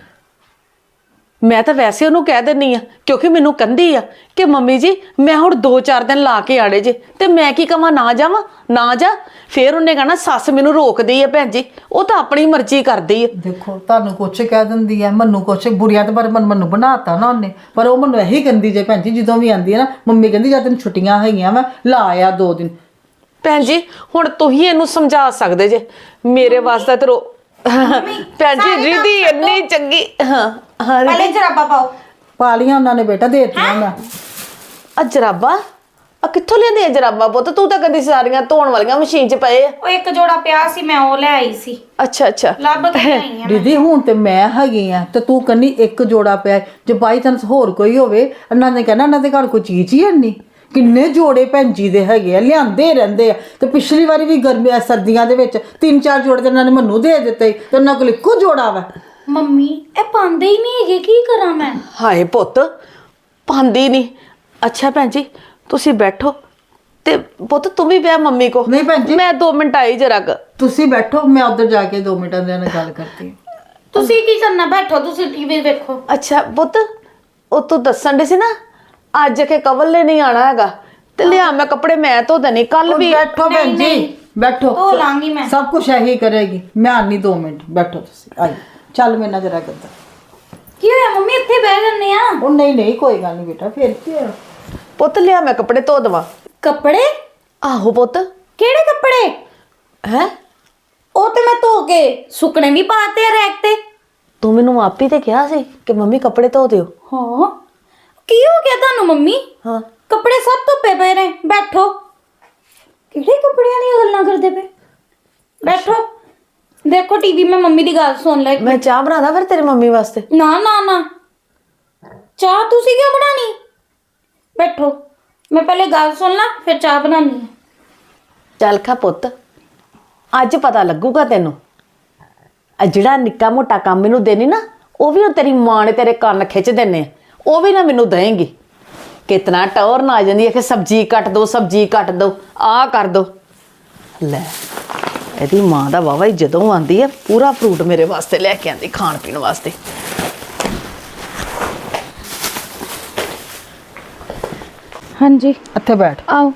S4: ਮੈਂ ਤਾਂ ਵੈਸੇ ਉਹਨੂੰ ਕਹਿ ਦਿੰਨੀ ਆ ਕਿਉਂਕਿ ਮੈਨੂੰ ਕਹਿੰਦੀ ਆ ਕਿ ਮੰਮੀ ਜੀ ਮੈਂ ਹੁਣ 2-4 ਦਿਨ ਲਾ ਕੇ ਆੜੇ ਜੇ ਤੇ ਮੈਂ ਕੀ ਕਵਾਂ ਨਾ ਜਾਵਾਂ ਨਾ ਜਾ ਫੇਰ ਉਹਨੇ ਕਹਣਾ ਸੱਸ ਮੈਨੂੰ ਰੋਕਦੀ ਆ ਭੈਣ ਜੀ ਉਹ ਤਾਂ ਆਪਣੀ ਮਰਜ਼ੀ ਕਰਦੀ ਆ
S1: ਦੇਖੋ ਤੁਹਾਨੂੰ ਕੁਛ ਕਹਿ ਦਿੰਦੀ ਹੈ ਮੈਨੂੰ ਕੁਛ ਬੁਰੀਆਂ ਤੇ ਪਰ ਮੈਨੂੰ ਬਣਾਤਾ ਨਾ ਉਹਨੇ ਪਰ ਉਹ ਮੈਨੂੰ ਇਹੀ ਕਹਿੰਦੀ ਜੇ ਭੈਣ ਜੀ ਜਦੋਂ ਵੀ ਆਂਦੀ ਹੈ ਨਾ ਮੰਮੀ ਕਹਿੰਦੀ ਜਦ ਤੈਨੂੰ ਛੁੱਟੀਆਂ ਹੈਗੀਆਂ ਵਾ ਲਾ ਆ 2 ਦਿਨ
S4: ਭੈਣ ਜੀ ਹੁਣ ਤੁਸੀਂ ਇਹਨੂੰ ਸਮਝਾ ਸਕਦੇ ਜੇ ਮੇਰੇ ਵਾਸਤੇ ਤੇ ਭੈਣ ਜੀ ਰਿਧੀ ਇੰਨੀ ਚੰਗੀ ਹਾਂ
S3: ਪਹਿਲੇ ਜਰਾਬਾ ਪਾਓ
S1: ਪਾਲੀਆਂ ਉਹਨਾਂ ਨੇ ਬੇਟਾ ਦੇ ਦਿੱਤੀਆਂ ਮੈਂ
S4: ਆ ਜਰਾਬਾਂ ਆ ਕਿੱਥੋਂ ਲਿਆਂਦੀ ਆ ਜਰਾਬਾਂ ਪੁੱਤ? ਤੂੰ ਤਾਂ ਕਦੀ ਸਾਰੀਆਂ ਧੋਣ ਵਾਲੀਆਂ ਮਸ਼ੀਨ 'ਚ ਪਏ ਆ।
S3: ਉਹ ਇੱਕ ਜੋੜਾ ਪਿਆ ਸੀ ਮੈਂ ਉਹ ਲੈ ਆਈ ਸੀ,
S4: ਅੱਛਾ ਅੱਛਾ।
S3: ਲੱਭ ਕੇ ਆਈ ਆ।
S1: ਦੀਦੀ ਹੁਣ ਤੇ ਮੈਂ ਹੈਗੀ ਆ ਤੇ ਤੂੰ ਕੰਨੀ ਇੱਕ ਜੋੜਾ ਪਿਆ, ਜੇ ਬਾਈ ਚਾਂਸ ਹੋਰ ਕੋਈ ਹੋਵੇ ਇਹਨਾਂ ਨੇ ਕਹਿਣਾ ਇਹਨਾਂ ਦੇ ਘਰ ਕੋਈ ਚੀਜ਼ ਹੀ ਨਹੀਂ। ਕਿੰਨੇ ਜੋੜੇ ਭੈਣ ਜੀ ਦੇ ਹੈਗੇ ਆ, ਲਿਆਂਦੇ ਰਹਿੰਦੇ ਆ। ਤੇ ਪਿਛਲੀ ਵਾਰੀ ਵੀ ਗਰਮੀਆਂ ਸਰਦੀਆਂ ਦੇ ਵਿੱਚ 3-4 ਜੋੜੇ ਤੇ ਇਹਨਾਂ ਨੇ ਮੈਨੂੰ ਦੇ ਦਿੱਤੇ ਤੇ ਉਹਨਾਂ ਕੋਲ ਇੱਕੋ ਜੋੜਾ ਵਾ।
S3: ਮੰਮੀ ਇਹ ਪਾਉਂਦੇ ਹੀ ਨਹੀਂ ਹੈਗੇ, ਕੀ ਕਰਾਂ ਮੈਂ?
S4: ਹਾਏ ਪੁੱਤ ਪਾਉਂਦੀ ਨਹੀਂ। ਅੱਛਾ ਭੈਣ ਜੀ ਤੁਸੀਂ ਬੈਠੋ ਤੇ ਪੁੱਤ ਤੂੰ ਵੀ ਬਹਿ ਮੰਮੀ ਕੋ।
S1: ਨਹੀਂ ਭੈਣ ਜੀ
S4: ਮੈਂ 2 ਮਿੰਟ ਆਈ ਜਰਾ ਕੁ।
S1: ਤੁਸੀਂ ਬੈਠੋ, ਮੈਂ ਉੱਧਰ ਜਾ ਕੇ 2 ਮਿੰਟਾਂ ਦੇ ਨਾਲ ਗੱਲ ਕਰਦੀ ਹਾਂ।
S3: ਤੁਸੀਂ ਕੀ ਕਰਨਾ, ਬੈਠੋ ਤੁਸੀਂ ਟੀਵੀ ਵੇਖੋ।
S4: ਅੱਛਾ ਪੁੱਤ ਉਹ ਤੂੰ ਦੱਸਣ ਦੇ ਸੀ ਨਾ ਅੱਜ ਕੇ ਕਵਲ ਨੇ ਨਹੀਂ ਆਣਾ ਹੈਗਾ ਤੇ ਲਿਆ ਮੈਂ ਕੱਪੜੇ ਮੈਂ ਧੋ ਦੇਣੀ ਕੱਲ ਵੀ।
S1: ਬੈਠੋ ਭੈਣ ਜੀ ਬੈਠੋ,
S3: ਧੋ ਲਾਂਗੀ ਮੈਂ।
S1: ਸਭ ਕੁਝ ਇਹੀ ਕਰੇਗੀ। ਮੈਂ ਆਨੀ 2 ਮਿੰਟ, ਬੈਠੋ ਤੁਸੀਂ। ਆਈ ਚੱਲ ਮੇਰੇ ਨਾਲ ਜਰਾ ਕਰਦਾ।
S3: ਕੀ ਹੋਇਆ ਮੰਮੀ, ਇੱਥੇ ਬਹਿ ਜੰਨੇ ਆ।
S1: ਉਹ ਨਹੀਂ ਕੋਈ ਗੱਲ ਨਹੀਂ ਬੇਟਾ, ਫਿਰ ਕੀ ਹੋਇਆ?
S4: ਪੁੱਤ ਲਿਆ ਮੈਂ ਕੱਪੜੇ ਧੋ ਦਵਾ।
S3: ਕੱਪੜੇ?
S4: ਆਹੋ ਪੁੱਤ।
S3: ਕਿਹੜੇ ਕੱਪੜੇ?
S4: ਹੈ
S3: ਉਹ ਤੇ ਮੈਂ ਧੋ ਕੇ ਸੁੱਕਣੇ ਵੀ ਪਾਤੇ ਆ ਰੈਕ ਤੇ।
S4: ਤੂੰ ਮੈਨੂੰ ਆਪੀ ਤੇ ਕਿਹਾ ਸੀ ਕਿ ਮੰਮੀ ਕੱਪੜੇ ਧੋ ਦਿਓ।
S3: ਹਾਂ ਕੀ ਹੋ ਗਿਆ ਤੁਹਾਨੂੰ ਮੰਮੀ?
S4: ਹਾਂ
S3: ਕੱਪੜੇ ਸਭ ਧੁੱਪੇ ਪਏ ਨੇ, ਬੈਠੋ। ਕਿਹੜੇ ਕੱਪੜਿਆਂ ਦੀਆਂ ਗੱਲਾਂ ਕਰਦੇ ਪਏ? ਬੈਠੋ ਦੇਖੋ ਟੀਵੀ, ਮੈਂ ਮੰਮੀ ਦੀ ਗੱਲ ਸੁਣ ਲੈ।
S4: ਮੈਂ ਚਾਹ ਬਣਾਦਾ ਫਿਰ ਤੇਰੀ ਮੰਮੀ ਵਾਸਤੇ।
S3: ਨਾ ਨਾ ਨਾ, ਚਾਹ ਤੁਸੀਂ ਕਿਉਂ ਬਣਾਣੀ? ਬੈਠੋ, ਮੈਂ ਪਹਿਲੇ ਗੱਲ ਸੁਣ ਲਾਂ ਫਿਰ ਚਾਹ ਬਣਾਉਣੀ ਹੈ।
S4: ਚੱਲ ਖਾ ਪੁੱਤ ਅੱਜ ਪਤਾ ਲੱਗੂਗਾ ਤੈਨੂੰ। ਆ ਜਿਹੜਾ ਨਿੱਕਾ ਮੋਟਾ ਕੰਮ ਮੈਨੂੰ ਦੇਣੀ ਨਾ ਉਹ ਵੀ ਉਹ ਤੇਰੀ ਮਾਂ ਨੇ ਤੇਰੇ ਕੰਨ ਖਿੱਚ ਦੇਣੇ, ਉਹ ਵੀ ਨਾ ਮੈਨੂੰ ਦੇਂਗੀ। ਕਿਤਨਾ ਟੌਰ ਨਾ ਆ ਜਾਂਦੀ ਹੈ ਕਿ ਸਬਜ਼ੀ ਕੱਟ ਦੋ ਸਬਜ਼ੀ ਕੱਟ ਦੋ ਆਹ ਕਰ ਦੋ। ਲੈ ਇਹਦੀ ਮਾਂ ਦਾ ਵਾਵਾ ਹੀ ਜਦੋਂ ਆਂਦੀ ਹੈ ਪੂਰਾ ਫਰੂਟ ਮੇਰੇ ਵਾਸਤੇ ਲੈ ਕੇ ਆਂਦੀ ਖਾਣ ਪੀਣ ਵਾਸਤੇ।
S3: ਹਾਂਜੀ
S1: ਇੱਥੇ ਬੈਠ।
S3: ਆਓ।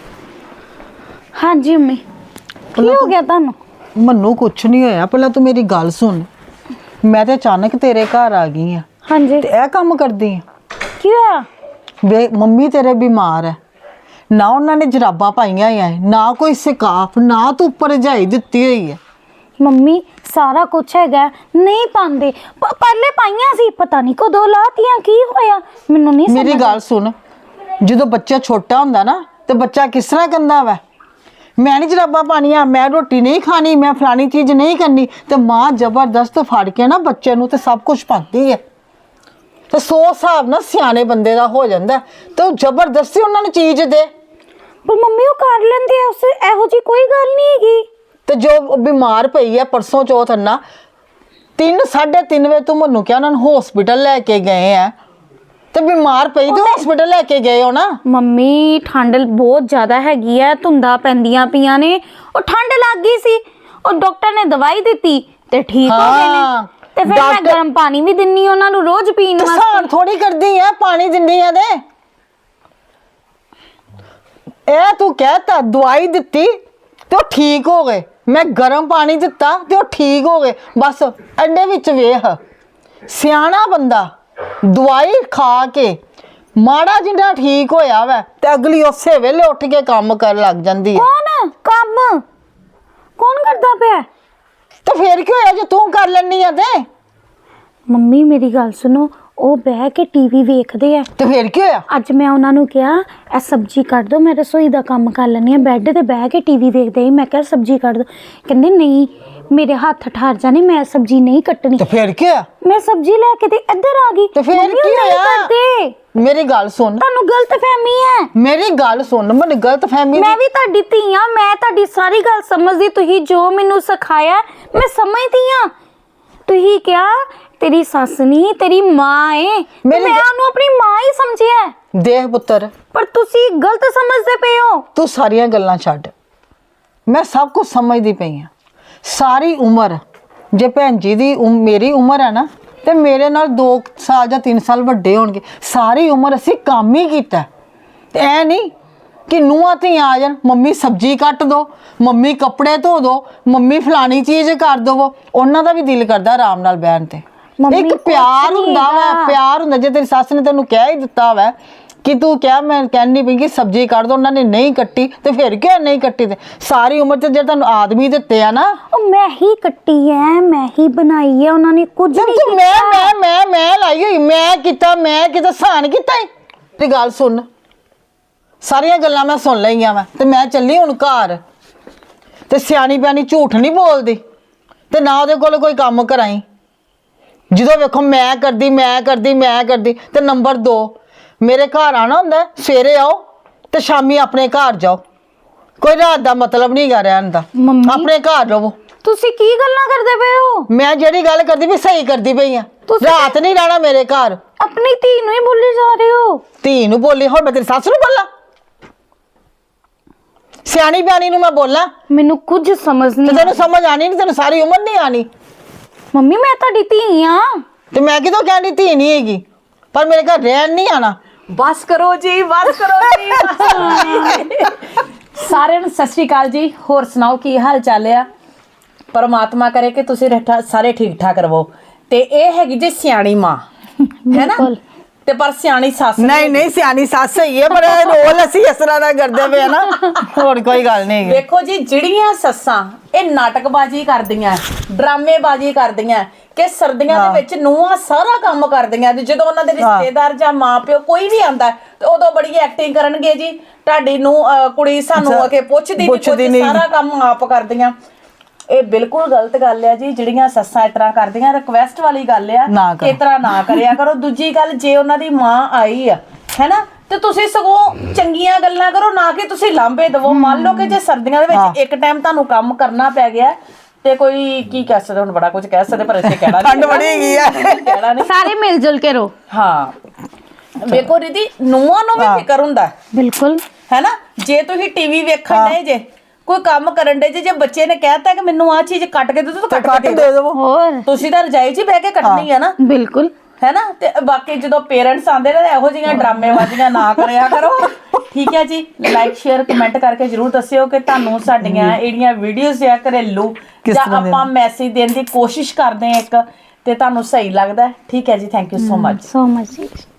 S3: ਹਾਂਜੀ ਮੰਮੀ ਕੀ ਹੋ ਗਿਆ ਤੁਹਾਨੂੰ?
S1: ਮੈਨੂੰ ਕੁਛ ਨਹੀਂ ਹੋਇਆ, ਪਹਿਲਾਂ ਤੂੰ ਮੇਰੀ ਗੱਲ ਸੁਣ। ਮੈਂ ਤੇ ਅਚਾਨਕ ਤੇਰੇ ਘਰ ਆ ਗਈ ਆ
S3: ਹਾਂਜੀ
S1: ਤੇ ਇਹ ਕੰਮ ਕਰਦੀ ਆ।
S3: ਕੀ ਹੋਇਆ?
S1: ਵੇ ਮੰਮੀ ਤੇਰੇ ਬਿਮਾਰ ਹੈ, ਨਾ ਉਹਨਾਂ ਨੇ ਜਰਾਬਾਂ ਪਾਈਆਂ ਆ, ਨਾ ਕੋਈ ਸਿਕਾਫ, ਨਾ ਤੂੰ ਉੱਪਰ ਰਜਾਈ ਦਿੱਤੀ ਹੋਈ ਹੈ।
S3: ਮੰਮੀ ਸਾਰਾ ਕੁਝ ਹੈਗਾ, ਨਹੀਂ ਪਾਉਂਦੇ। ਪਹਿਲੇ ਪਾਈਆਂ ਸੀ, ਪਤਾ ਨਹੀਂ ਕਦੋਂ ਲਾਤੀਆਂ, ਕੀ ਹੋਇਆ ਮੈਨੂੰ ਨਹੀਂ ਸਮਝ।
S1: ਮੇਰੀ ਗੱਲ ਸੁਣ, ਜਦੋਂ ਬੱਚਾ ਛੋਟਾ ਹੁੰਦਾ ਨਾ ਤੇ ਬੱਚਾ ਕਿਸ ਤਰ੍ਹਾਂ ਕਹਿੰਦਾ ਵਾ ਮੈਂ ਨਹੀਂ ਜਰਾਬਾਂ ਪਾਣੀਆਂ, ਮੈਂ ਰੋਟੀ ਨਹੀਂ ਖਾਣੀ, ਮੈਂ ਫਲਾਣੀ ਚੀਜ਼ ਨਹੀਂ ਕਰਨੀ, ਤੇ ਮਾਂ ਜ਼ਬਰਦਸਤ ਫੜ ਕੇ ਨਾ ਬੱਚੇ ਨੂੰ ਤੇ ਸਭ ਕੁਝ ਪਾਉਂਦੀ ਹੈ। ਤੇ 100 ਹਿਸਾਬ ਨਾਲ ਸਿਆਣੇ ਬੰਦੇ ਦਾ ਹੋ ਜਾਂਦਾ ਤੇ ਉਹ ਜ਼ਬਰਦਸਤੀ ਉਹਨਾਂ ਨੂੰ ਚੀਜ਼ ਦੇ।
S3: ਪਰ ਮੰਮੀ ਉਹ ਕਰ ਲੈਂਦੇ ਆ, ਉਸ ਇਹੋ ਜੀ ਕੋਈ ਗੱਲ ਨਹੀਂ ਹੈਗੀ।
S1: ਤੇ ਜੋ ਬਿਮਾਰ ਪਈ ਹੈ ਪਰਸੋਂ ਚੌਥ ਨਾ 3-3:30 ਵਜੇ ਤੂੰ ਮੈਨੂੰ ਕਿਹਾ ਉਹਨਾਂ ਨੂੰ ਹਸਪੀਟਲ ਲੈ ਕੇ ਗਏ ਆ, ਤੇ ਬਿਮਾਰ ਪਈ ਤੇ ਹਸਪੀਟਲ ਲੈ ਕੇ ਗਏ ਹੋ ਨਾ।
S3: ਮੰਮੀ ਠੰਡ ਬਹੁਤ ਜ਼ਿਆਦਾ ਹੈਗੀ ਹੈ, ਧੁੰਦਾਂ ਪੈਂਦੀਆਂ ਪਈਆਂ ਨੇ, ਉਹ ਠੰਡ ਲੱਗ ਗਈ ਸੀ, ਉਹ ਡਾਕਟਰ ਨੇ ਦਵਾਈ ਦਿੱਤੀ ਤੇ ਠੀਕ ਹੋ ਗਏ ਨੇ। ਤੇ ਫਿਰ ਮੈਂ ਗਰਮ ਪਾਣੀ ਵੀ ਦਿੰਨੀ ਉਹਨਾਂ ਨੂੰ ਰੋਜ਼ ਪੀਣ ਵਾਸਤੇ।
S1: ਸਾਨ ਥੋੜੀ ਕਰਦੀ ਆ, ਪਾਣੀ ਦਿੰਦੀ ਆ ਦੇ। ਇਹ ਤੂੰ ਕਹਿਤਾ ਦਵਾਈ ਦਿੱਤੀ ਤੇ ਉਹ ਠੀਕ ਹੋ ਗਏ, ਮੈਂ ਗਰਮ ਪਾਣੀ ਦਿੱਤਾ ਤੇ ਉਹ ਠੀਕ ਹੋ ਗਏ। ਬਸ ਐਡੇ ਵਿੱਚ ਵੇਖ, ਸਿਆਣਾ ਬੰਦਾ ਦਵਾਈ ਖਾ ਕੇ ਮਾੜਾ ਜਿਹਾ ਠੀਕ ਹੋਇਆ ਵੈ ਤੇ ਅਗਲੀ ਉਸੇ ਵੇਲੇ ਉੱਠ ਕੇ ਕੰਮ ਕਰਨ ਲੱਗ ਜਾਂਦੀ ਹੈ।
S3: ਕੌਣ ਕੰਮ ਕੌਣ ਕਰਦਾ ਪਿਆ?
S1: ਤੇ ਫੇਰ ਕੀ ਹੋਇਆ ਜੇ ਤੂੰ ਕਰ ਲੈਣੀ ਆ ਤੇ?
S3: ਮੰਮੀ ਮੇਰੀ ਗੱਲ ਸੁਣੋ, ਉਹ ਬਹਿ ਕੇ ਟੀਵੀ ਵੇਖਦੇ ਆ।
S1: ਤੇ ਫੇਰ ਕੀ ਹੋਇਆ?
S3: ਅੱਜ ਮੈਂ ਉਹਨਾਂ ਨੂੰ ਕਿਹਾ ਇਹ ਸਬਜ਼ੀ ਕੱਟ ਦੋ, ਮੈਂ ਰਸੋਈ ਦਾ ਕੰਮ ਕਰ ਲੈਂਦੀ ਆ। ਬੈੱਡ ਤੇ ਬਹਿ ਕੇ ਟੀਵੀ ਵੇਖਦੇ, ਮੈਂ ਕਿਹਾ ਸਬਜ਼ੀ ਕੱਟ ਦੋ, ਕਹਿੰਦੇ ਨਹੀਂ ਮੇਰੇ ਹੱਥ ਠਾਰ ਜਾਣੇ, ਮੈਂ ਸਬਜ਼ੀ ਨਹੀਂ ਕੱਟਣੀ।
S1: ਤੇ ਫੇਰ ਕੀ ਹੋਇਆ?
S3: ਮੈਂ ਸਬਜ਼ੀ ਲੈ ਕੇ ਤੇ ਇੱਧਰ ਆ ਗਈ।
S1: ਤੇ ਫੇਰ
S3: ਮੰਮੀ, ਉਹ
S1: ਕੀ
S3: ਨਹੀਂ
S1: ਹੋਇਆ?
S3: ਕਰਦੇ।
S1: ਮੇਰੀ ਗੱਲ ਸੁਣ,
S3: ਤੁਹਾਨੂੰ ਗਲਤਫਹਿਮੀ ਹੈ।
S1: ਮੇਰੀ ਗੱਲ ਸੁਣ, ਮੈਨੂੰ ਗਲਤਫਹਿਮੀ
S3: ਮੈਂ ਵੀ ਤੁਹਾਡੀ ਧੀ ਆ, ਮੈਂ ਤੁਹਾਡੀ ਸਾਰੀ ਗੱਲ ਸਮਝਦੀ। ਤੁਸੀਂ ਜੋ ਮੈਨੂੰ ਸਿਖਾਇਆ ਮੈਂ ਸਮਝਦੀ ਆ। ਤੁਸੀਂ ਕਿਹਾ ਤੇਰੀ ਸੱਸ ਨਹੀਂ ਤੇਰੀ ਮਾਂ ਏ, ਮੈਂ ਉਹਨੂੰ ਆਪਣੀ ਮਾਂ ਹੀ ਸਮਝਿਆ।
S1: ਦੇਖ ਪੁੱਤਰ,
S3: ਪਰ ਤੁਸੀਂ ਗਲਤ ਸਮਝਦੇ ਪਏ ਹੋ।
S1: ਤੂੰ ਸਾਰੀਆਂ ਗੱਲਾਂ ਛੱਡ, ਮੈਂ ਸਭ ਕੁਝ ਸਮਝਦੀ ਪਈ ਆ। ਸਾਰੀ ਉਮਰ ਜੇ ਭੈਣ ਜੀ ਦੀ ਮੇਰੀ ਉਮਰ ਹੈ ਨਾ ਤੇ ਮੇਰੇ ਨਾਲ 2 ਸਾਲ ਜਾਂ 3 ਸਾਲ ਵੱਡੇ ਹੋਣਗੇ। ਸਾਰੀ ਉਮਰ ਅਸੀਂ ਕੰਮ ਹੀ ਕੀਤਾ, ਤੇ ਐ ਨਹੀਂ ਕਿ ਨੂੰਹਾਂ ਧੀਆਂ ਆ ਜਾਣ, ਮੰਮੀ ਸਬਜ਼ੀ ਕੱਟ ਦੋ, ਮੰਮੀ ਕੱਪੜੇ ਧੋ ਦੋ, ਮੰਮੀ ਫਲਾਣੀ ਚੀਜ਼ ਕਰ ਦਵੋ। ਉਹਨਾਂ ਦਾ ਵੀ ਦਿਲ ਕਰਦਾ ਆਰਾਮ ਨਾਲ ਬਹਿਣ ਤੇ। ਇੱਕ ਪਿਆਰ ਹੁੰਦਾ ਵਾ, ਪਿਆਰ ਹੁੰਦਾ। ਜੇ ਤੇਰੀ ਸੱਸ ਨੇ ਤੈਨੂੰ ਕਹਿ ਹੀ ਦਿੱਤਾ ਵਾ ਕਿ ਤੂੰ ਕਿਹਾ ਮੈਂ ਕਹਿੰਦੀ ਪਈ ਕਿ ਸਬਜ਼ੀ ਕੱਟ ਦੋ, ਉਹਨਾਂ ਨੇ ਨਹੀਂ ਕੱਟੀ, ਤੇ ਫਿਰ ਕਿਉਂ ਨਹੀਂ ਕੱਟੀ? ਤੇ ਸਾਰੀ ਉਮਰ ਤੇ ਜਿਹੜੇ ਤੁਹਾਨੂੰ ਆਦਮੀ ਦਿੱਤੇ ਆ ਨਾ,
S3: ਉਹ ਮੈਂ ਹੀ ਕੱਟੀ ਹੈ, ਮੈਂ ਹੀ ਬਣਾਈ ਹੈ, ਉਹਨਾਂ ਨੇ ਕੁਝ ਨਹੀਂ
S1: ਤੂੰ ਮੈਂ ਲਾਈ ਹੋਈ, ਮੈਂ ਕੀਤਾ ਸਾਨ ਕੀਤਾ। ਤੇ ਗੱਲ ਸੁਣ, ਸਾਰੀਆਂ ਗੱਲਾਂ ਮੈਂ ਸੁਣ ਲਈਆਂ ਵਾ ਤੇ ਮੈਂ ਚੱਲੀ ਹੁਣ ਘਰ। ਤੇ ਸਿਆਣੀ ਬਿਆਣੀ ਝੂਠ ਨਹੀਂ ਬੋਲਦੀ ਤੇ ਨਾ ਉਹਦੇ ਕੋਲ ਕੋਈ ਕੰਮ ਕਰਾਈ। ਜਦੋਂ ਵੇਖੋ ਮੈਂ ਕਰਦੀ ਤੇ ਨੰਬਰ 2 ਮੇਰੇ ਘਰ ਆਣਾ ਹੁੰਦਾ, ਸਵੇਰੇ ਆਓ ਤੇ ਸ਼ਾਮੀ ਆਪਣੇ ਘਰ ਜਾਓ। ਕੋਈ ਰਾਤ ਦਾ ਮਤਲਬ ਨਹੀਂ ਗਾ ਰਹਿਣ ਦਾ,
S3: ਮੰਮੀ।
S1: ਆਪਣੇ ਘਰ ਰਹੋ।
S3: ਤੁਸੀਂ ਕੀ ਗੱਲਾਂ ਕਰਦੇ ਪਏ ਹੋ?
S1: ਮੈਂ ਜਿਹੜੀ ਗੱਲ ਕਰਦੀ ਵੀ ਸਹੀ ਕਰਦੀ ਪਈ ਆ।
S3: ਤੁਸੀਂ-
S1: ਰਾਤ ਨਹੀਂ ਰਹਿਣਾ ਮੇਰੇ ਘਰ।
S3: ਆਪਣੀ ਧੀ ਨੂੰ ਹੀ ਬੋਲੀ ਜਾ ਰਹੇ ਹੋ।
S1: ਧੀ ਨੂੰ ਬੋਲੀ, ਹੁਣ ਮੈਂ ਤੇਰੀ ਸੱਸ ਨੂੰ ਬੋਲਾਂ? ਸਿਆਣੀ ਬਿਆਣੀ ਨੂੰ ਮੈਂ ਬੋਲਾਂ
S3: ਮੈਨੂੰ ਕੁਝ ਸਮਝ
S1: ਤੇ
S3: ਨਹੀਂ।
S1: ਤੈਨੂੰ ਸਮਝ ਆਣੀ ਨਹੀਂ, ਤੈਨੂੰ ਸਾਰੀ ਉਮਰ ਨਹੀਂ ਆਣੀ।
S3: ਮੰਮੀ ਮੈਂ ਤੁਹਾਡੀ ਧੀ ਆ।
S1: ਤੇ ਮੈਂ ਕਿਦੋਂ ਕਹਿੰਦੀ ਧੀ ਨਹੀਂ ਹੈਗੀ, ਪਰ ਮੇਰੇ ਘਰ ਰਹਿਣ ਨਹੀਂ ਆਣਾ।
S4: ਬਸ ਕਰੋ ਜੀ, ਬਸ ਕਰੋ ਜੀ, ਬਸ ਕਰੋ ਜੀ। ਸਾਰਿਆਂ ਨੂੰ ਸਤਿ ਸ਼੍ਰੀ ਅਕਾਲ ਜੀ। ਹੋਰ ਸੁਣਾਓ ਕੀ ਹਾਲ ਚਾਲ ਆ? ਪਰਮਾਤਮਾ ਕਰੇ ਕਿ ਤੁਸੀਂ ਸਾਰੇ ਠੀਕ ਠਾਕ ਰਹੋ। ਤੇ ਇਹ ਹੈਗੀ ਜੀ ਸਿਆਣੀ ਮਾਂ, ਹੈ ਨਾ?
S3: ਬਿਲਕੁਲ।
S4: ਤੇ ਪਰ ਸਿਆਣੀ ਸੱਸ
S1: ਨਹੀਂ ਸਿਆਣੀ ਸੱਸ ਹੀ ਹੈ, ਪਰ ਇਹ ਰੋਲ ਅਸੀਂ ਇਸ ਤਰ੍ਹਾਂ ਦਾ ਕਰਦੇ ਪਏ ਆ ਨਾ, ਹੋਰ ਕੋਈ ਗੱਲ ਨਹੀਂ ਹੈਗੀ।
S4: ਵੇਖੋ ਜੀ, ਜਿਹੜੀਆਂ ਸੱਸਾਂ ਇਹ ਨਾਟਕਬਾਜ਼ੀ ਕਰਦੀਆਂ, ਡਰਾਮੇਬਾਜ਼ੀ ਕਰਦੀਆਂ ਕਿ ਸਰਦੀਆਂ ਦੇ ਵਿੱਚ ਨੂੰਹਾਂ ਸਾਰਾ ਕੰਮ ਕਰਦੀਆਂ, ਤੇ ਜਦੋਂ ਉਹਨਾਂ ਦੇ ਰਿਸ਼ਤੇਦਾਰ ਜਾਂ ਮਾਪਿਓ ਕੋਈ ਵੀ ਆਂਦਾ ਤੇ ਉਦੋਂ ਬੜੀ ਐਕਟਿੰਗ ਕਰਨਗੇ ਜੀ। ਤੁਹਾਡੀ ਨੂੰ ਕੁੜੀ ਸਾਨੂੰ ਆ ਕੇ ਪੁੱਛਦੀ ਨਹੀਂ, ਸਾਰਾ ਕੰਮ ਆਪ ਕਰਦੀਆਂ। ਇਹ ਬਿਲਕੁਲ ਗਲਤ ਗੱਲ ਆ ਜੀ। ਜਿਹੜੀਆਂ ਸੱਸਾਂ ਇਸ ਤਰ੍ਹਾਂ ਕਰਦੀਆਂ, ਰਿਕਵੈਸਟ ਵਾਲੀ ਗੱਲ ਆ ਕਿ ਇਸ ਤਰ੍ਹਾਂ ਨਾ ਕਰਿਆ ਕਰੋ। ਦੂਜੀ ਗੱਲ, ਜੇ ਉਹਨਾਂ ਦੀ ਮਾਂ ਆਈ ਆ ਹੈਨਾ, ਤੇ ਤੁਸੀਂ ਸਗੋਂ ਚੰਗੀਆਂ ਗੱਲਾਂ ਕਰੋ, ਨਾ ਕਿ ਤੁਸੀਂ ਲਾਂਭੇ ਦਵੋ। ਮੰਨ ਲਓ ਕਿ ਜੇ ਸਰਦੀਆਂ ਦੇ ਵਿੱਚ ਇੱਕ ਟਾਈਮ ਤੁਹਾਨੂੰ ਕੰਮ ਕਰਨਾ ਪੈ ਗਿਆ ਤੇ ਕੋਈ ਕੀ ਕਹਿ ਸਕਦੇ, ਹੁਣ ਬੜਾ ਕੁਝ ਕਹਿ ਸਕਦੇ ਪਰ ਇੱਥੇ ਕਹਿਣਾ ਨਹੀਂ,
S1: ਠੰਡ ਬੜੀ ਹੈਗੀ ਆ,
S4: ਕਹਿਣਾ ਨਹੀਂ।
S3: ਸਾਰੇ ਮਿਲ ਜੁਲ ਕੇ ਰਹੋ।
S4: ਹਾਂ ਵੇਖੋ ਦੀਦੀ, ਨੂੰਹਾਂ ਨੂੰ ਵੀ ਫਿਕਰ ਹੁੰਦਾ
S3: ਬਿਲਕੁਲ
S4: ਹੈ ਨਾ। ਜੇ ਤੁਸੀਂ ਟੀਵੀ ਵੇਖਣ ਡਏ ਜੇ, ਕੋਈ ਕੰਮ ਕਰਨ ਦੇ ਜੇ ਬੱਚੇ ਨੇ ਕਹਿਤਾ ਕਿ ਮੈਨੂੰ ਆਹ ਚੀਜ਼ ਕੱਟ ਕੇ ਦੇ ਦਿਓ ਤਾਂ ਕੱਟ ਕੇ ਦੇ ਦਿਓ।
S3: ਹੋਰ
S4: ਤੁਸੀਂ ਤਾਂ ਰਜਾਈ 'ਚ ਹੀ ਬਹਿ ਕੇ ਕੱਟਣੀ ਆ ਨਾ,
S3: ਬਿਲਕੁਲ
S4: ਹੈ ਨਾ। ਤੇ ਬਾਕੀ ਜਦੋਂ ਪੇਰੈਂਟਸ ਆਉਂਦੇ ਨੇ ਇਹੋ ਜਿਹੀਆਂ ਡਰਾਮੇਬਾਜ਼ੀਆਂ ਨਾ ਕਰਿਆ ਕਰੋ, ਠੀਕ ਹੈ ਜੀ। ਲਾਈਕ ਸ਼ੇਅਰ ਕਮੈਂਟ ਕਰਕੇ ਜਰੂਰ ਦੱਸਿਓ ਕਿ ਤੁਹਾਨੂੰ ਸਾਡੀਆਂ ਜਿਹੜੀਆਂ ਵੀਡੀਓਜ਼ ਆ ਘਰੇਲੂ ਜਾਂ ਆਪਾਂ ਮੈਸੇਜ ਦੇਣ ਦੀ ਕੋਸ਼ਿਸ਼ ਕਰਦੇ ਆ ਇੱਕ, ਤੇ ਤੁਹਾਨੂੰ ਸਹੀ ਲੱਗਦਾ। ਠੀਕ ਹੈ ਜੀ, thank you so much.
S3: So much.